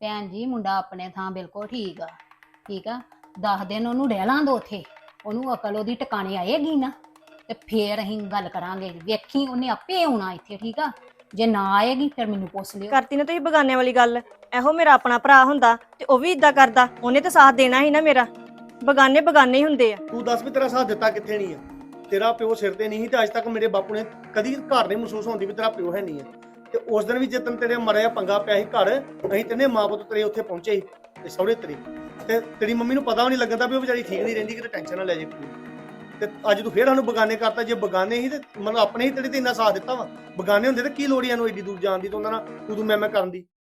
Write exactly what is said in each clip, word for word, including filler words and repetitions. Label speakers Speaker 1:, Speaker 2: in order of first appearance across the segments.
Speaker 1: ਭੈਣ ਜੀ ਮੁੰਡਾ ਆਪਣੇ ਥਾਂ ਬਿਲਕੁਲ ਠੀਕ ਆ। ਠੀਕ ਆ, ਦਸ ਦਿਨ ਉਹਨੂੰ ਰਹਿ ਲਾਂ ਦੋ ਉੱਥੇ, ਉਹਨੂੰ ਅਕਲ ਉਹਦੀ ਟਿਕਾਣੇ ਆਏਗੀ ਨਾ ਤੇ ਫੇਰ ਅਸੀਂ ਗੱਲ ਕਰਾਂਗੇ। ਵੇਖੀ ਉਹਨੇ ਆਪੇ ਆਉਣਾ ਇੱਥੇ। ਠੀਕ ਆ, ਜੇ ਨਾ ਆਏਗੀ ਫਿਰ ਮੈਨੂੰ ਪੁੱਛ ਲਿਓ।
Speaker 2: ਕਰਤੀ ਨਾ ਤੁਸੀਂ ਬਗਾਨੇ ਵਾਲੀ ਗੱਲ। ਇਹੋ ਮੇਰਾ ਆਪਣਾ ਭਰਾ ਹੁੰਦਾ ਤੇ ਉਹ ਵੀ ਇਦਾਂ ਕਰਦਾ, ਉਹਨੇ ਤਾਂ ਸਾਥ ਦੇਣਾ ਸੀ ਨਾ ਮੇਰਾ। ਬਗਾਨੇ ਬਗਾਨੇ ਹੀ ਹੁੰਦੇ ਆ।
Speaker 3: ਤੂੰ ਦੱਸ ਵੀ ਤੇਰਾ ਸਾਥ ਦਿੱਤਾ ਕਿੱਥੇ ਨਹੀਂ ਆ? ਤੇਰਾ ਪਿਓ ਸਿਰ ਤੇ ਨਹੀਂ ਸੀ ਤੇ ਅੱਜ ਤੱਕ ਮੇਰੇ ਬਾਪੂ ਨੇ ਕਦੀ ਘਰ ਨਹੀਂ ਮਹਿਸੂਸ ਹੁੰਦੀ ਵੀ ਤੇਰਾ ਪਿਓ ਹੈ ਨਹੀਂ ਹੈ। ਤੇ ਉਸ ਦਿਨ ਵੀ ਜਦੋਂ ਤੇਰੇ ਮਰਿਆ ਪੰਗਾ ਪਿਆ ਸੀ ਘਰ, ਅਸੀਂ ਤਿੰਨੇ ਮਾਂ ਪੁੱਤ ਤੇਰੇ ਉੱਥੇ ਪਹੁੰਚੇ ਸੀ ਤੇ ਸਹੁਰੇ ਤੇਰੇ, ਤੇ ਤੇਰੀ ਮੰਮੀ ਨੂੰ ਪਤਾ ਵੀ ਨਹੀਂ ਲੱਗਦਾ ਵੀ ਉਹ ਵਿਚਾਰੀ ਠੀਕ ਨਹੀਂ ਰਹਿੰਦੀ, ਕਿਤੇ ਟੈਨਸ਼ਨ ਨਾ ਲੈ ਜੇ ਕੋਈ। ਤੇ ਅੱਜ ਤੂੰ ਫੇਰ ਸਾਨੂੰ ਬਗਾਨੇ ਕਰਤਾ। ਜੇ ਬਗਾਨੇ ਹੀ ਤੇ ਮਤਲਬ ਆਪਣੇ ਹੀ ਤੇਰੇ ਤੇ ਇੰਨਾ ਸਾਥ ਦਿੱਤਾ ਵਾ। ਬਗਾਨੇ ਹੁੰਦੇ ਤੇ ਕੀ ਲੋੜ ਨੂੰ ਏਡੀ ਦੂਰ ਜਾਣ ਦੀ ਤੇ ਉਹਨਾਂ ਨਾਲ ਤੂੰ ਤੂੰ ਮੈਂ ਮੈਂ ਕਰਨ ਦੀ।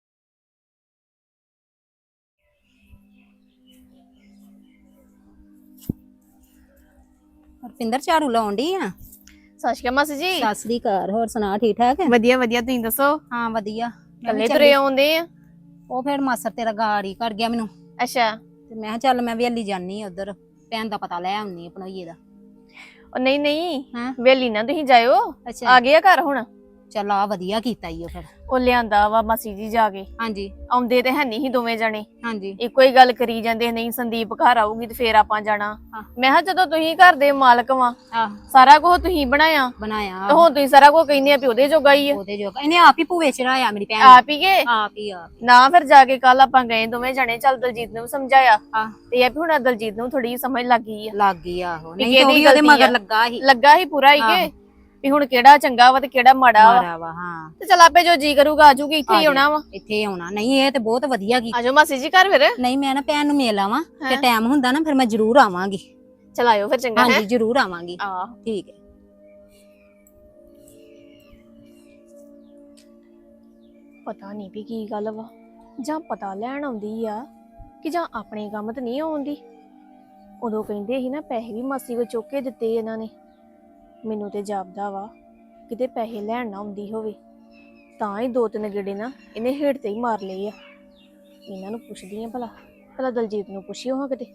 Speaker 1: ਰਪਿੰਦਰ ਝਾੜੂ ਲਾਉਣ ਡਈ ਆ।
Speaker 4: ਸਤਿ ਸ਼੍ਰੀ ਅਕਾਲ ਮਾਸੀ ਜੀ।
Speaker 1: ਸਤਿ ਸ੍ਰੀ ਅਕਾਲ। ਹੋਰ ਸੁਣਾ, ਠੀਕ ਠਾਕ?
Speaker 4: ਵਧੀਆ ਵਧੀਆ, ਤੁਸੀਂ ਦੱਸੋ?
Speaker 1: ਹਾਂ ਵਧੀਆ। ਮੈਂ ਵੀ
Speaker 4: ਕੱਲੇ
Speaker 1: ਚੱਲੀ।
Speaker 4: ਤੁਰੇ ਆਉਂਦੇ ਆ?
Speaker 1: ਉਹ ਫਿਰ ਮਾਸਰ ਤੇਰਾ ਗਾੜੀ ਕਰ ਗਿਆ ਮੈਨੂੰ,
Speaker 4: ਅੱਛਾ।
Speaker 1: ਤੇ ਮੈਂ ਕਿਹਾ ਚੱਲ ਮੈਂ ਵੀ ਹਲੀ ਜਾਨੀ ਉਧਰ, ਭੈਣ ਦਾ ਪਤਾ ਲੈ ਆਉਣੀ ਆ ਭਣੋਈਏ ਦਾ।
Speaker 4: ਉਹ ਨਹੀਂ ਨਹੀਂ,
Speaker 1: ਹਾਂ
Speaker 4: ਵੇਲੀ ਨਾ ਤੁਸੀਂ ਜਾਇਓ,
Speaker 1: ਅੱਛਾ
Speaker 4: ਆ ਗਏ ਆ ਘਰ ਹੁਣ।
Speaker 1: ਚੱਲ ਆ ਵਧੀਆ ਕੀਤਾ ਈ ਉਹ ਫਿਰ।
Speaker 4: ਉਹ ਲਿਆਂਦਾ ਵਾ ਮਾਸੀ ਜੀ ਜਾ ਕੇ।
Speaker 1: ਹਾਂਜੀ
Speaker 4: ਆਉਂਦੇ ਤੇ ਹੈ ਨਹੀਂ ਸੀ ਦੋਵੇਂ ਜਣੇ,
Speaker 1: ਹਾਂਜੀ
Speaker 4: ਇੱਕੋ ਹੀ ਗੱਲ ਕਰੀ ਜਾਂਦੇ, ਨਹੀਂ ਸੰਦੀਪ ਘਰ ਆਊਗੀ ਤੇ ਫੇਰ ਆਪਾਂ ਜਾਣਾ।
Speaker 1: ਹਾਂ।
Speaker 4: ਮੈਂ ਕਿਹਾ ਜਦੋਂ ਤੁਸੀਂ ਘਰ ਦੇ ਮਾਲਕ ਵਾਂ,
Speaker 1: ਆਹ
Speaker 4: ਸਾਰਾ ਕੁਝ ਤੁਸੀਂ ਬਣਾਇਆ
Speaker 1: ਬਣਾਇਆ
Speaker 4: ਤੇ ਹੁਣ ਤੁਸੀਂ ਸਾਰਾ ਕੁਝ ਕਹਿੰਦੇ ਆ ਵੀ ਉਹਦੇ ਜੋਗਾ ਹੀ ਆ।
Speaker 1: ਉਹਦੇ ਜੋਗਾ ਇਹਨੇ ਆਪ ਹੀ ਭੂਵੇ ਚੜਾਇਆ ਮੇਰੀ ਭੈਣ
Speaker 4: ਆਪ ਹੀ ਗਏ
Speaker 1: ਆਪ ਹੀ ਆਪ
Speaker 4: ਨਾ। ਫਿਰ ਜਾ ਕੇ ਕੱਲ ਆਪਾਂ ਗਏ ਦੋਵੇਂ ਜਣੇ, ਚੱਲ ਦਲਜੀਤ ਨੂੰ ਵੀ ਸਮਝਾਇਆ
Speaker 1: ਹਾਂ
Speaker 4: ਤੇ ਇਹ ਵੀ ਹੁਣ ਦਲਜੀਤ ਨੂੰ ਥੋੜੀ ਸਮਝ ਲੱਗ ਗਈ ਆ।
Speaker 1: ਲੱਗ ਗਈ ਆਹੋ।
Speaker 4: ਵੀ
Speaker 1: ਨਹੀਂ ਤੇ ਉਹ
Speaker 4: ਕਿਹਦੀ
Speaker 1: ਵੀ ਉਹਦੇ
Speaker 4: ਗਲਤੀ
Speaker 1: ਮਗਰ
Speaker 4: ਆ।
Speaker 1: ਲੱਗਾ ਸੀ।
Speaker 4: ਲੱਗਾ ਹੀ ਪੂਰਾ ਹੀ ਕਿ ਵੀ ਹੁਣ ਕਿਹੜਾ ਚੰਗਾ ਵਾ ਤੇ ਕਿਹੜਾ ਮਾੜਾ ਵਾ।
Speaker 1: ਮਾਰਾ ਵਾ ਹਾਂ।
Speaker 4: ਤੇ ਚਲ ਆਪੇ ਜੋ ਜੀ ਕਰੂਗਾ ਆਜੂਗੀ, ਇੱਥੇ ਹੀ ਆਉਣਾ ਵਾ।
Speaker 1: ਇੱਥੇ ਹੀ ਆਉਣਾ। ਨਹੀਂ ਇਹ ਤੇ ਬਹੁਤ ਵਧੀਆ ਕੀਤਾ।
Speaker 4: ਆਜੋ ਮਾਸੀ ਜੀ ਘਰ ਫਿਰ।
Speaker 1: ਨਹੀਂ ਮੈਂ ਨਾ ਭੈਣ ਨੂੰ ਮਿਲ ਆਵਾਂ ਤੇ ਟਾਈਮ ਹੁੰਦਾ ਨਾ ਫਿਰ ਮੈਂ ਜ਼ਰੂਰ ਆਵਾਂਗੀ।
Speaker 4: ਚਲ ਆਇਓ ਫਿਰ, ਚੰਗਾ ਹੈ।
Speaker 1: ਹਾਂਜੀ ਜ਼ਰੂਰ ਆਵਾਂਗੀ।
Speaker 4: ਆ
Speaker 1: ਠੀਕ ਹੈ।
Speaker 4: ਪਤਾ ਨਹੀਂ ਵੀ ਕੀ ਗੱਲ ਵਾ, ਜਾਂ ਪਤਾ ਲੈਣ ਆਉਂਦੀ ਆ ਕਿ ਜਾਂ ਆਪਣੇ ਕੰਮ ਤੇ ਨਹੀਂ ਆਉਂਦੀ। ਉਦੋਂ ਕਹਿੰਦੇ ਸੀ ਨਾ ਪੈਸੇ ਵੀ ਮਾਸੀ ਕੋ ਚੁੱਕ ਕੇ ਦਿੱਤੇ ਇਹਨਾਂ ਨੇ। ਮੈਨੂੰ ਤੇ ਜਾਪਦਾ ਵਾ ਕਿਤੇ ਪੈਸੇ ਲੈਣ ਨਾ ਆਉਂਦੀ ਹੋਵੇ, ਤਾਂ ਹੀ ਦੋ ਤਿੰਨ ਗੇੜੇ ਨਾ ਇਹਨੇ ਹੇਠ ਤੇ ਹੀ ਮਾਰ ਲਏ ਆ। ਇਹਨਾਂ ਨੂੰ ਪੁੱਛਦੀ ਆ ਭਲਾ ਭਲਾ ਦਲਜੀਤ ਨੂੰ ਪੁੱਛਿਓ ਹਾਂ ਕਿਤੇ।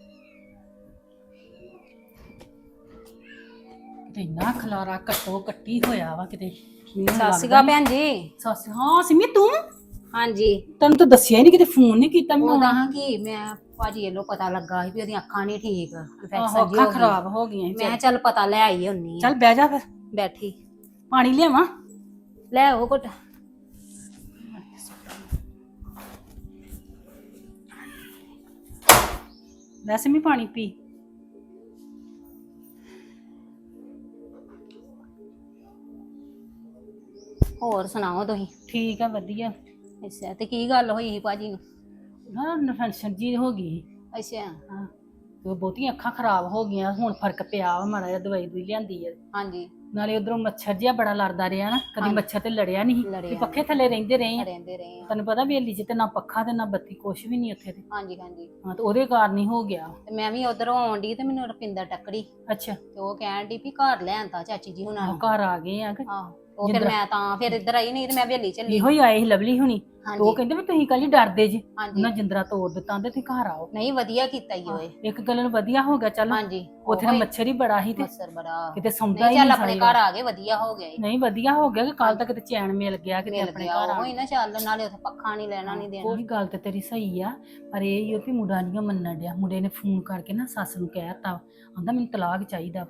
Speaker 5: ਕਿਤੇ ਇੰਨਾ ਖਲਾਰਾ ਕੱਟੋ ਕੱਟੀ ਹੋਇਆ ਵਾ ਕਿਤੇ।
Speaker 1: ਸਤਿ ਸ਼੍ਰੀ ਅਕਾਲ ਭੈਣ ਜੀ।
Speaker 5: ਸੱਸ ਹਾਂ ਸਿਮੀ ਤੂੰ,
Speaker 1: ਹਾਂਜੀ
Speaker 5: ਤੈਨੂੰ ਤਾਂ ਦੱਸਿਆ ਹੀ ਨਹੀਂ, ਕਿਤੇ ਫੋਨ ਨਹੀਂ ਕੀਤਾ ਮੈਂ।
Speaker 1: ਉਹਦਾ ਹਾਂ ਕਿ ਮੈਂ ਭਾਜੀ ਵੱਲੋਂ ਪਤਾ ਲੱਗਾ ਸੀ ਵੀ ਉਹਦੀਆਂ ਅੱਖਾਂ ਨਹੀਂ ਠੀਕ,
Speaker 5: ਆਹੋ,
Speaker 1: ਇਨਫੈਕਸ਼ਨ ਜੀ
Speaker 5: ਅੱਖਾਂ
Speaker 1: ਹੋ ਗਈ।
Speaker 5: ਖਰਾਬ ਹੋ ਗਈਆਂ ਸੀ।
Speaker 1: ਮੈਂ ਕਿਹਾ ਚੱਲ ਪਤਾ ਲੈ ਆਈ ਹੁੰਨੀ ਆ।
Speaker 5: ਚੱਲ ਬਹਿ ਜਾ ਫਿਰ,
Speaker 1: ਬੈਠੀ
Speaker 5: ਪਾਣੀ ਲਿਆਵਾਂ?
Speaker 1: ਲੈ ਉਹ ਘੁੱਟ।
Speaker 5: ਲੈ ਸਿਮੀ ਪਾਣੀ ਪੀ।
Speaker 1: ਹੋਰ ਸੁਣਾਓ ਤੁਸੀਂ?
Speaker 5: ਠੀਕ ਆ ਵਧੀਆ।
Speaker 1: ਅੱਛਾ ਤੇ ਕੀ ਗੱਲ ਹੋਈ ਸੀ ਭਾਜੀ ਨੂੰ?
Speaker 5: ਹਾਂ ਇਨਫੈਕਸ਼ਨ ਜੀ ਹੋ ਗਈ।
Speaker 1: ਅੱਛਾ
Speaker 5: ਹਾਂ ਤੇ ਬਹੁਤੀਆਂ ਅੱਖਾਂ ਖਰਾਬ ਹੋ ਗਈਆਂ, ਹੁਣ ਫਰਕ ਪਿਆ ਵਾ ਮਾੜਾ ਜਿਹਾ, ਦਵਾਈ ਦੂਈ ਲਿਆਂਦੀ ਆ।
Speaker 1: ਹਾਂਜੀ
Speaker 5: ਨਾਲੇ ਉਧਰੋਂ ਮੱਛਰ ਜਿਹਾ ਬੜਾ ਲੜਦਾ ਰਿਹਾ ਨਾ, ਕਦੀ
Speaker 1: ਹਾਂਜੀ।
Speaker 5: ਮੱਛਰ ਤੇ ਲੜਿਆ ਨਹੀਂ।
Speaker 1: ਲੜਿਆ
Speaker 5: ਤੇ ਪੱਖੇ ਥੱਲੇ ਰਹਿੰਦੇ ਰਹੇ ਆ।
Speaker 1: ਰਹਿੰਦੇ ਰਹੇ ਆ।
Speaker 5: ਤੈਨੂੰ ਪਤਾ ਵੇਲੀ ਚ ਤੇ ਨਾ ਪੱਖਾ ਤੇ ਨਾ ਬੱਤੀ, ਕੁਛ ਵੀ ਨਹੀਂ ਉੱਥੇ ਤੇ।
Speaker 1: ਹਾਂਜੀ ਹਾਂਜੀ।
Speaker 5: ਹਾਂ ਤੇ ਉਹਦੇ ਕਾਰਨ ਹੀ ਹੋ ਗਿਆ।
Speaker 1: ਤੇ ਮੈਂ ਵੀ ਉਧਰੋਂ ਆਉਣ ਡਈ ਤੇ ਮੈਨੂੰ ਰੁਪਿੰਦਰ ਟੱਕਰੀ
Speaker 5: ਅੱਛਾ
Speaker 1: ਤੇ ਉਹ ਕਹਿਣ ਡਈ ਵੀ ਘਰ ਲੈਣ ਤਾਂ ਚਾਚੀ ਜੀ ਹੁਣਾਂ
Speaker 5: ਆਹ
Speaker 1: ਨੂੰ।
Speaker 5: ਘਰ ਆ ਗਏ ਆ ਕਿ
Speaker 1: ਆਹੋ ਉਹ ਫਿਰ ਮੈਂ ਤਾਂ ਫਿਰ ਇੱਧਰ ਆਈ, ਨਹੀਂ ਤੇ ਮੈਂ ਹਵੇਲੀ ਚੱਲੀ।
Speaker 5: ਇਹੋ ਹੀ ਆਏ ਸੀ ਲਵਲੀ ਹੁਣੀ। ਤੇ ਉਹ
Speaker 1: ਹਾਂਜੀ
Speaker 5: ਕਹਿੰਦੇ ਵੀ ਤੁਸੀਂ ਕੱਲ ਹੀ ਡਰਦੇ ਜੀ,
Speaker 1: ਹਾਂਜੀ।
Speaker 5: ਉਹਨਾਂ ਜਿੰਦਰਾ ਤੋੜ ਦਿੱਤਾ ਤੇ ਤੁਸੀਂ ਘਰ ਆਓ।
Speaker 1: ਨਹੀਂ ਵਧੀਆ ਕੀਤਾ ਈ ਓਏ।
Speaker 5: ਇੱਕ ਗੱਲ ਨੂੰ ਵਧੀਆ ਹੋ ਗਿਆ। ਚੱਲ
Speaker 1: ਹਾਂਜੀ
Speaker 5: ਉੱਥੇ ਤਾਂ ਮੱਛਰ ਹੀ ਬੜਾ ਸੀ ਤੇ
Speaker 1: ਮੱਛਰ ਬੜਾ।
Speaker 5: ਕਿਤੇ ਸੌਂਦਾ
Speaker 1: ਨਹੀਂ
Speaker 5: ਹੀ
Speaker 1: ਚੱਲ
Speaker 5: ਨਹੀਂ
Speaker 1: ਆਪਣੇ
Speaker 5: ਸਾਰੀ
Speaker 1: ਘਰ ਆ ਗਏ, ਵਧੀਆ ਹੋ ਗਿਆ ਈ।
Speaker 5: ਨਹੀਂ ਵਧੀਆ ਹੋ ਗਿਆ ਕਿ ਕੱਲ ਤੱਕ ਤੇ ਚੈਨ ਮਿਲ ਗਿਆ ਕਿਤੇ
Speaker 1: ਮਿਲ
Speaker 5: ਆਪਣੇ
Speaker 1: ਗਿਆ
Speaker 5: ਘਰ ਆ
Speaker 1: ਉਹ ਹੀ ਨਾ, ਚੱਲ ਨਾਲੇ ਉੱਥੇ ਪੱਖਾ ਨਹੀਂ ਲੈਣਾ ਨਹੀਂ ਦੇਣਾ।
Speaker 5: ਉਹੀ ਗੱਲ ਤੇ ਤੇਰੀ ਸਹੀ ਆ, ਪਰ ਇਹ ਹੀ ਆ ਵੀ ਮੁੰਡਾ ਨਹੀਂ ਮੰਨਣ ਡਿਆ। ਮੁੰਡੇ ਨੇ ਫੋਨ ਕਰਕੇ ਨਾ ਸੱਸ ਨੂੰ ਕਹਿਤਾ, ਆਂਦਾ ਮੈਨੂੰ ਤਲਾਕ ਚਾਹੀਦਾ।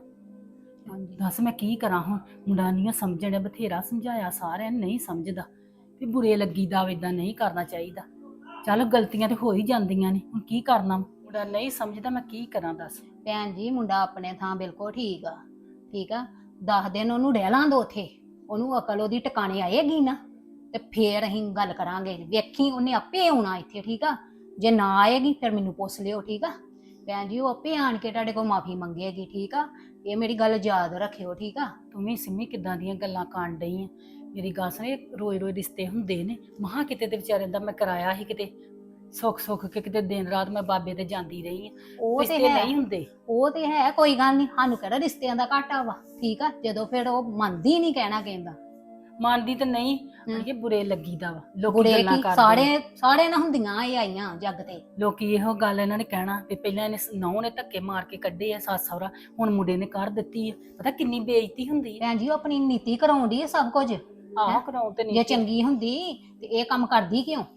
Speaker 1: ਹਾਂਜੀ
Speaker 5: ਦੱਸ ਮੈਂ ਕੀ ਕਰਾਂ ਹੁਣ? ਮੁੰਡਾ ਨਹੀਂ ਸਮਝਣ ਡਿਆ, ਬਥੇਰਾ ਸਮਝਾਇਆ ਸਾਰਿਆਂ ਨੂੰ, ਨਹੀਂ ਸਮਝਦਾ ਵੀ ਬੁਰੇ ਲੱਗੀਦਾ, ਇਦਾਂ ਨਹੀਂ ਕਰਨਾ ਚਾਹੀਦਾ। ਚੱਲ ਗਲਤੀਆਂ ਤੇ ਹੋ ਹੀ ਜਾਂਦੀਆਂ ਨੇ, ਹੁਣ ਕੀ ਕਰਨਾ? ਮੁੰਡਾ ਨਹੀਂ ਸਮਝਦਾ, ਮੈਂ ਕੀ ਕਰਾਂ ਦੱਸ?
Speaker 1: ਭੈਣ ਜੀ ਮੁੰਡਾ ਆਪਣੇ ਥਾਂ ਬਿਲਕੁਲ ਠੀਕ ਆ। ਠੀਕ ਆ, ਦਸ ਦਿਨ ਉਹਨੂੰ ਰਹਿ ਲਾਂ ਦੋ ਉੱਥੇ, ਉਹਨੂੰ ਅਕਲ ਉਹਦੀ ਟਿਕਾਣੇ ਆਏਗੀ ਨਾ ਤੇ ਫੇਰ ਅਸੀਂ ਗੱਲ ਕਰਾਂਗੇ। ਵੇਖੀ ਉਹਨੇ ਆਪੇ ਆਉਣਾ ਇੱਥੇ। ਠੀਕ ਆ, ਜੇ ਨਾ ਆਏਗੀ ਫਿਰ ਮੈਨੂੰ ਪੁੱਛ ਲਿਓ। ਠੀਕ ਆ ਭੈਣ ਜੀ, ਉਹ ਆਪੇ ਆਣ ਕੇ ਤੁਹਾਡੇ ਕੋਲ ਮਾਫੀ ਮੰਗੇਗੀ। ਠੀਕ ਆ, ਇਹ ਮੇਰੀ ਗੱਲ ਯਾਦ ਰੱਖਿਓ। ਠੀਕ ਆ,
Speaker 5: ਤੂੰ ਵੀ ਸਿੰਮੀ ਕਿੱਦਾਂ ਦੀਆਂ ਗੱਲਾਂ ਕਰਨ ਡਈ ਆ? ਮੇਰੀ ਗੱਲ ਸੁਣ, ਰੋਜ਼ ਰੋਜ਼ ਰਿਸ਼ਤੇ ਹੁੰਦੇ ਨੇ। ਮਹਾ ਕਿਤੇ ਤੇ ਵਿਚਾਰੇ ਦਾ ਮੈਂ ਕਰਾਇਆ ਸੀ, ਕਿਤੇ ਸੁੱਖ ਸੁੱਖ ਕੇ ਕਿਤੇ ਦਿਨ ਰਾਤ ਮੈਂ ਬਾਬੇ ਤੇ ਜਾਂਦੀ ਰਹੀ ਆ।
Speaker 1: ਉਹ ਤੇ
Speaker 5: ਰਿਸ਼ਤੇ
Speaker 1: ਹੈ,
Speaker 5: ਨਹੀਂ ਹੁੰਦੇ।
Speaker 1: ਉਹ ਤੇ ਹੈ, ਕੋਈ ਗੱਲ ਨਹੀਂ, ਸਾਨੂੰ ਕਿਹੜਾ ਰਿਸ਼ਤਿਆਂ ਦਾ ਘਾਟਾ ਵਾ। ਠੀਕ ਆ, ਜਦੋਂ ਫਿਰ ਉਹ ਮੰਨਦੀ ਨਹੀਂ ਕਹਿਣਾ ਕਹਿੰਦਾ।
Speaker 5: ਮੰਨਦੀ ਤੇ ਨਹੀਂ, ਇਹ ਬੁਰੇ ਲੱਗੀਦਾ ਵਾ। ਲੋਕੀ
Speaker 1: ਬੁਰੇ
Speaker 5: ਗੱਲਾਂ
Speaker 1: ਕੀ
Speaker 5: ਕਰਦੇ
Speaker 1: ਸਾਰੇ ਸਾਰੇ ਨਾ ਹੁੰਦੀਆਂ ਇਹ ਆਈਆਂ ਜੱਗ ਤੇ।
Speaker 5: ਲੋਕੀ ਇਹੋ ਗੱਲ ਇਹਨਾਂ ਨੇ ਕਹਿਣਾ ਵੀ ਪਹਿਲਾਂ ਇਹਨੇ ਨਹੁੰ ਨੇ ਧੱਕੇ ਮਾਰ ਕੇ ਕੱਢੇ ਆ ਸੱਸ ਸਹੁਰਾ, ਹੁਣ ਮੁੰਡੇ ਨੇ ਕਰ ਦਿੱਤੀ ਆ। ਪਤਾ ਕਿੰਨੀ ਬੇਇੱਜ਼ਤੀ ਹੁੰਦੀ ਆ।
Speaker 1: ਭੈਣ ਜੀ ਉਹ ਆਪਣੀ ਨੀਤੀ ਕਰਾਉਂਦੀ ਹੈ ਸਭ ਕੁਝ।
Speaker 5: ਆਹ ਕਰਾਉ ਤੇ
Speaker 1: ਜੇ
Speaker 5: ਨਹੀਂ।
Speaker 1: ਚੰਗੀ ਹੁੰਦੀ ਤੇ ਇਹ ਕੰਮ ਕਰਦੀ ਕਿਉਂ?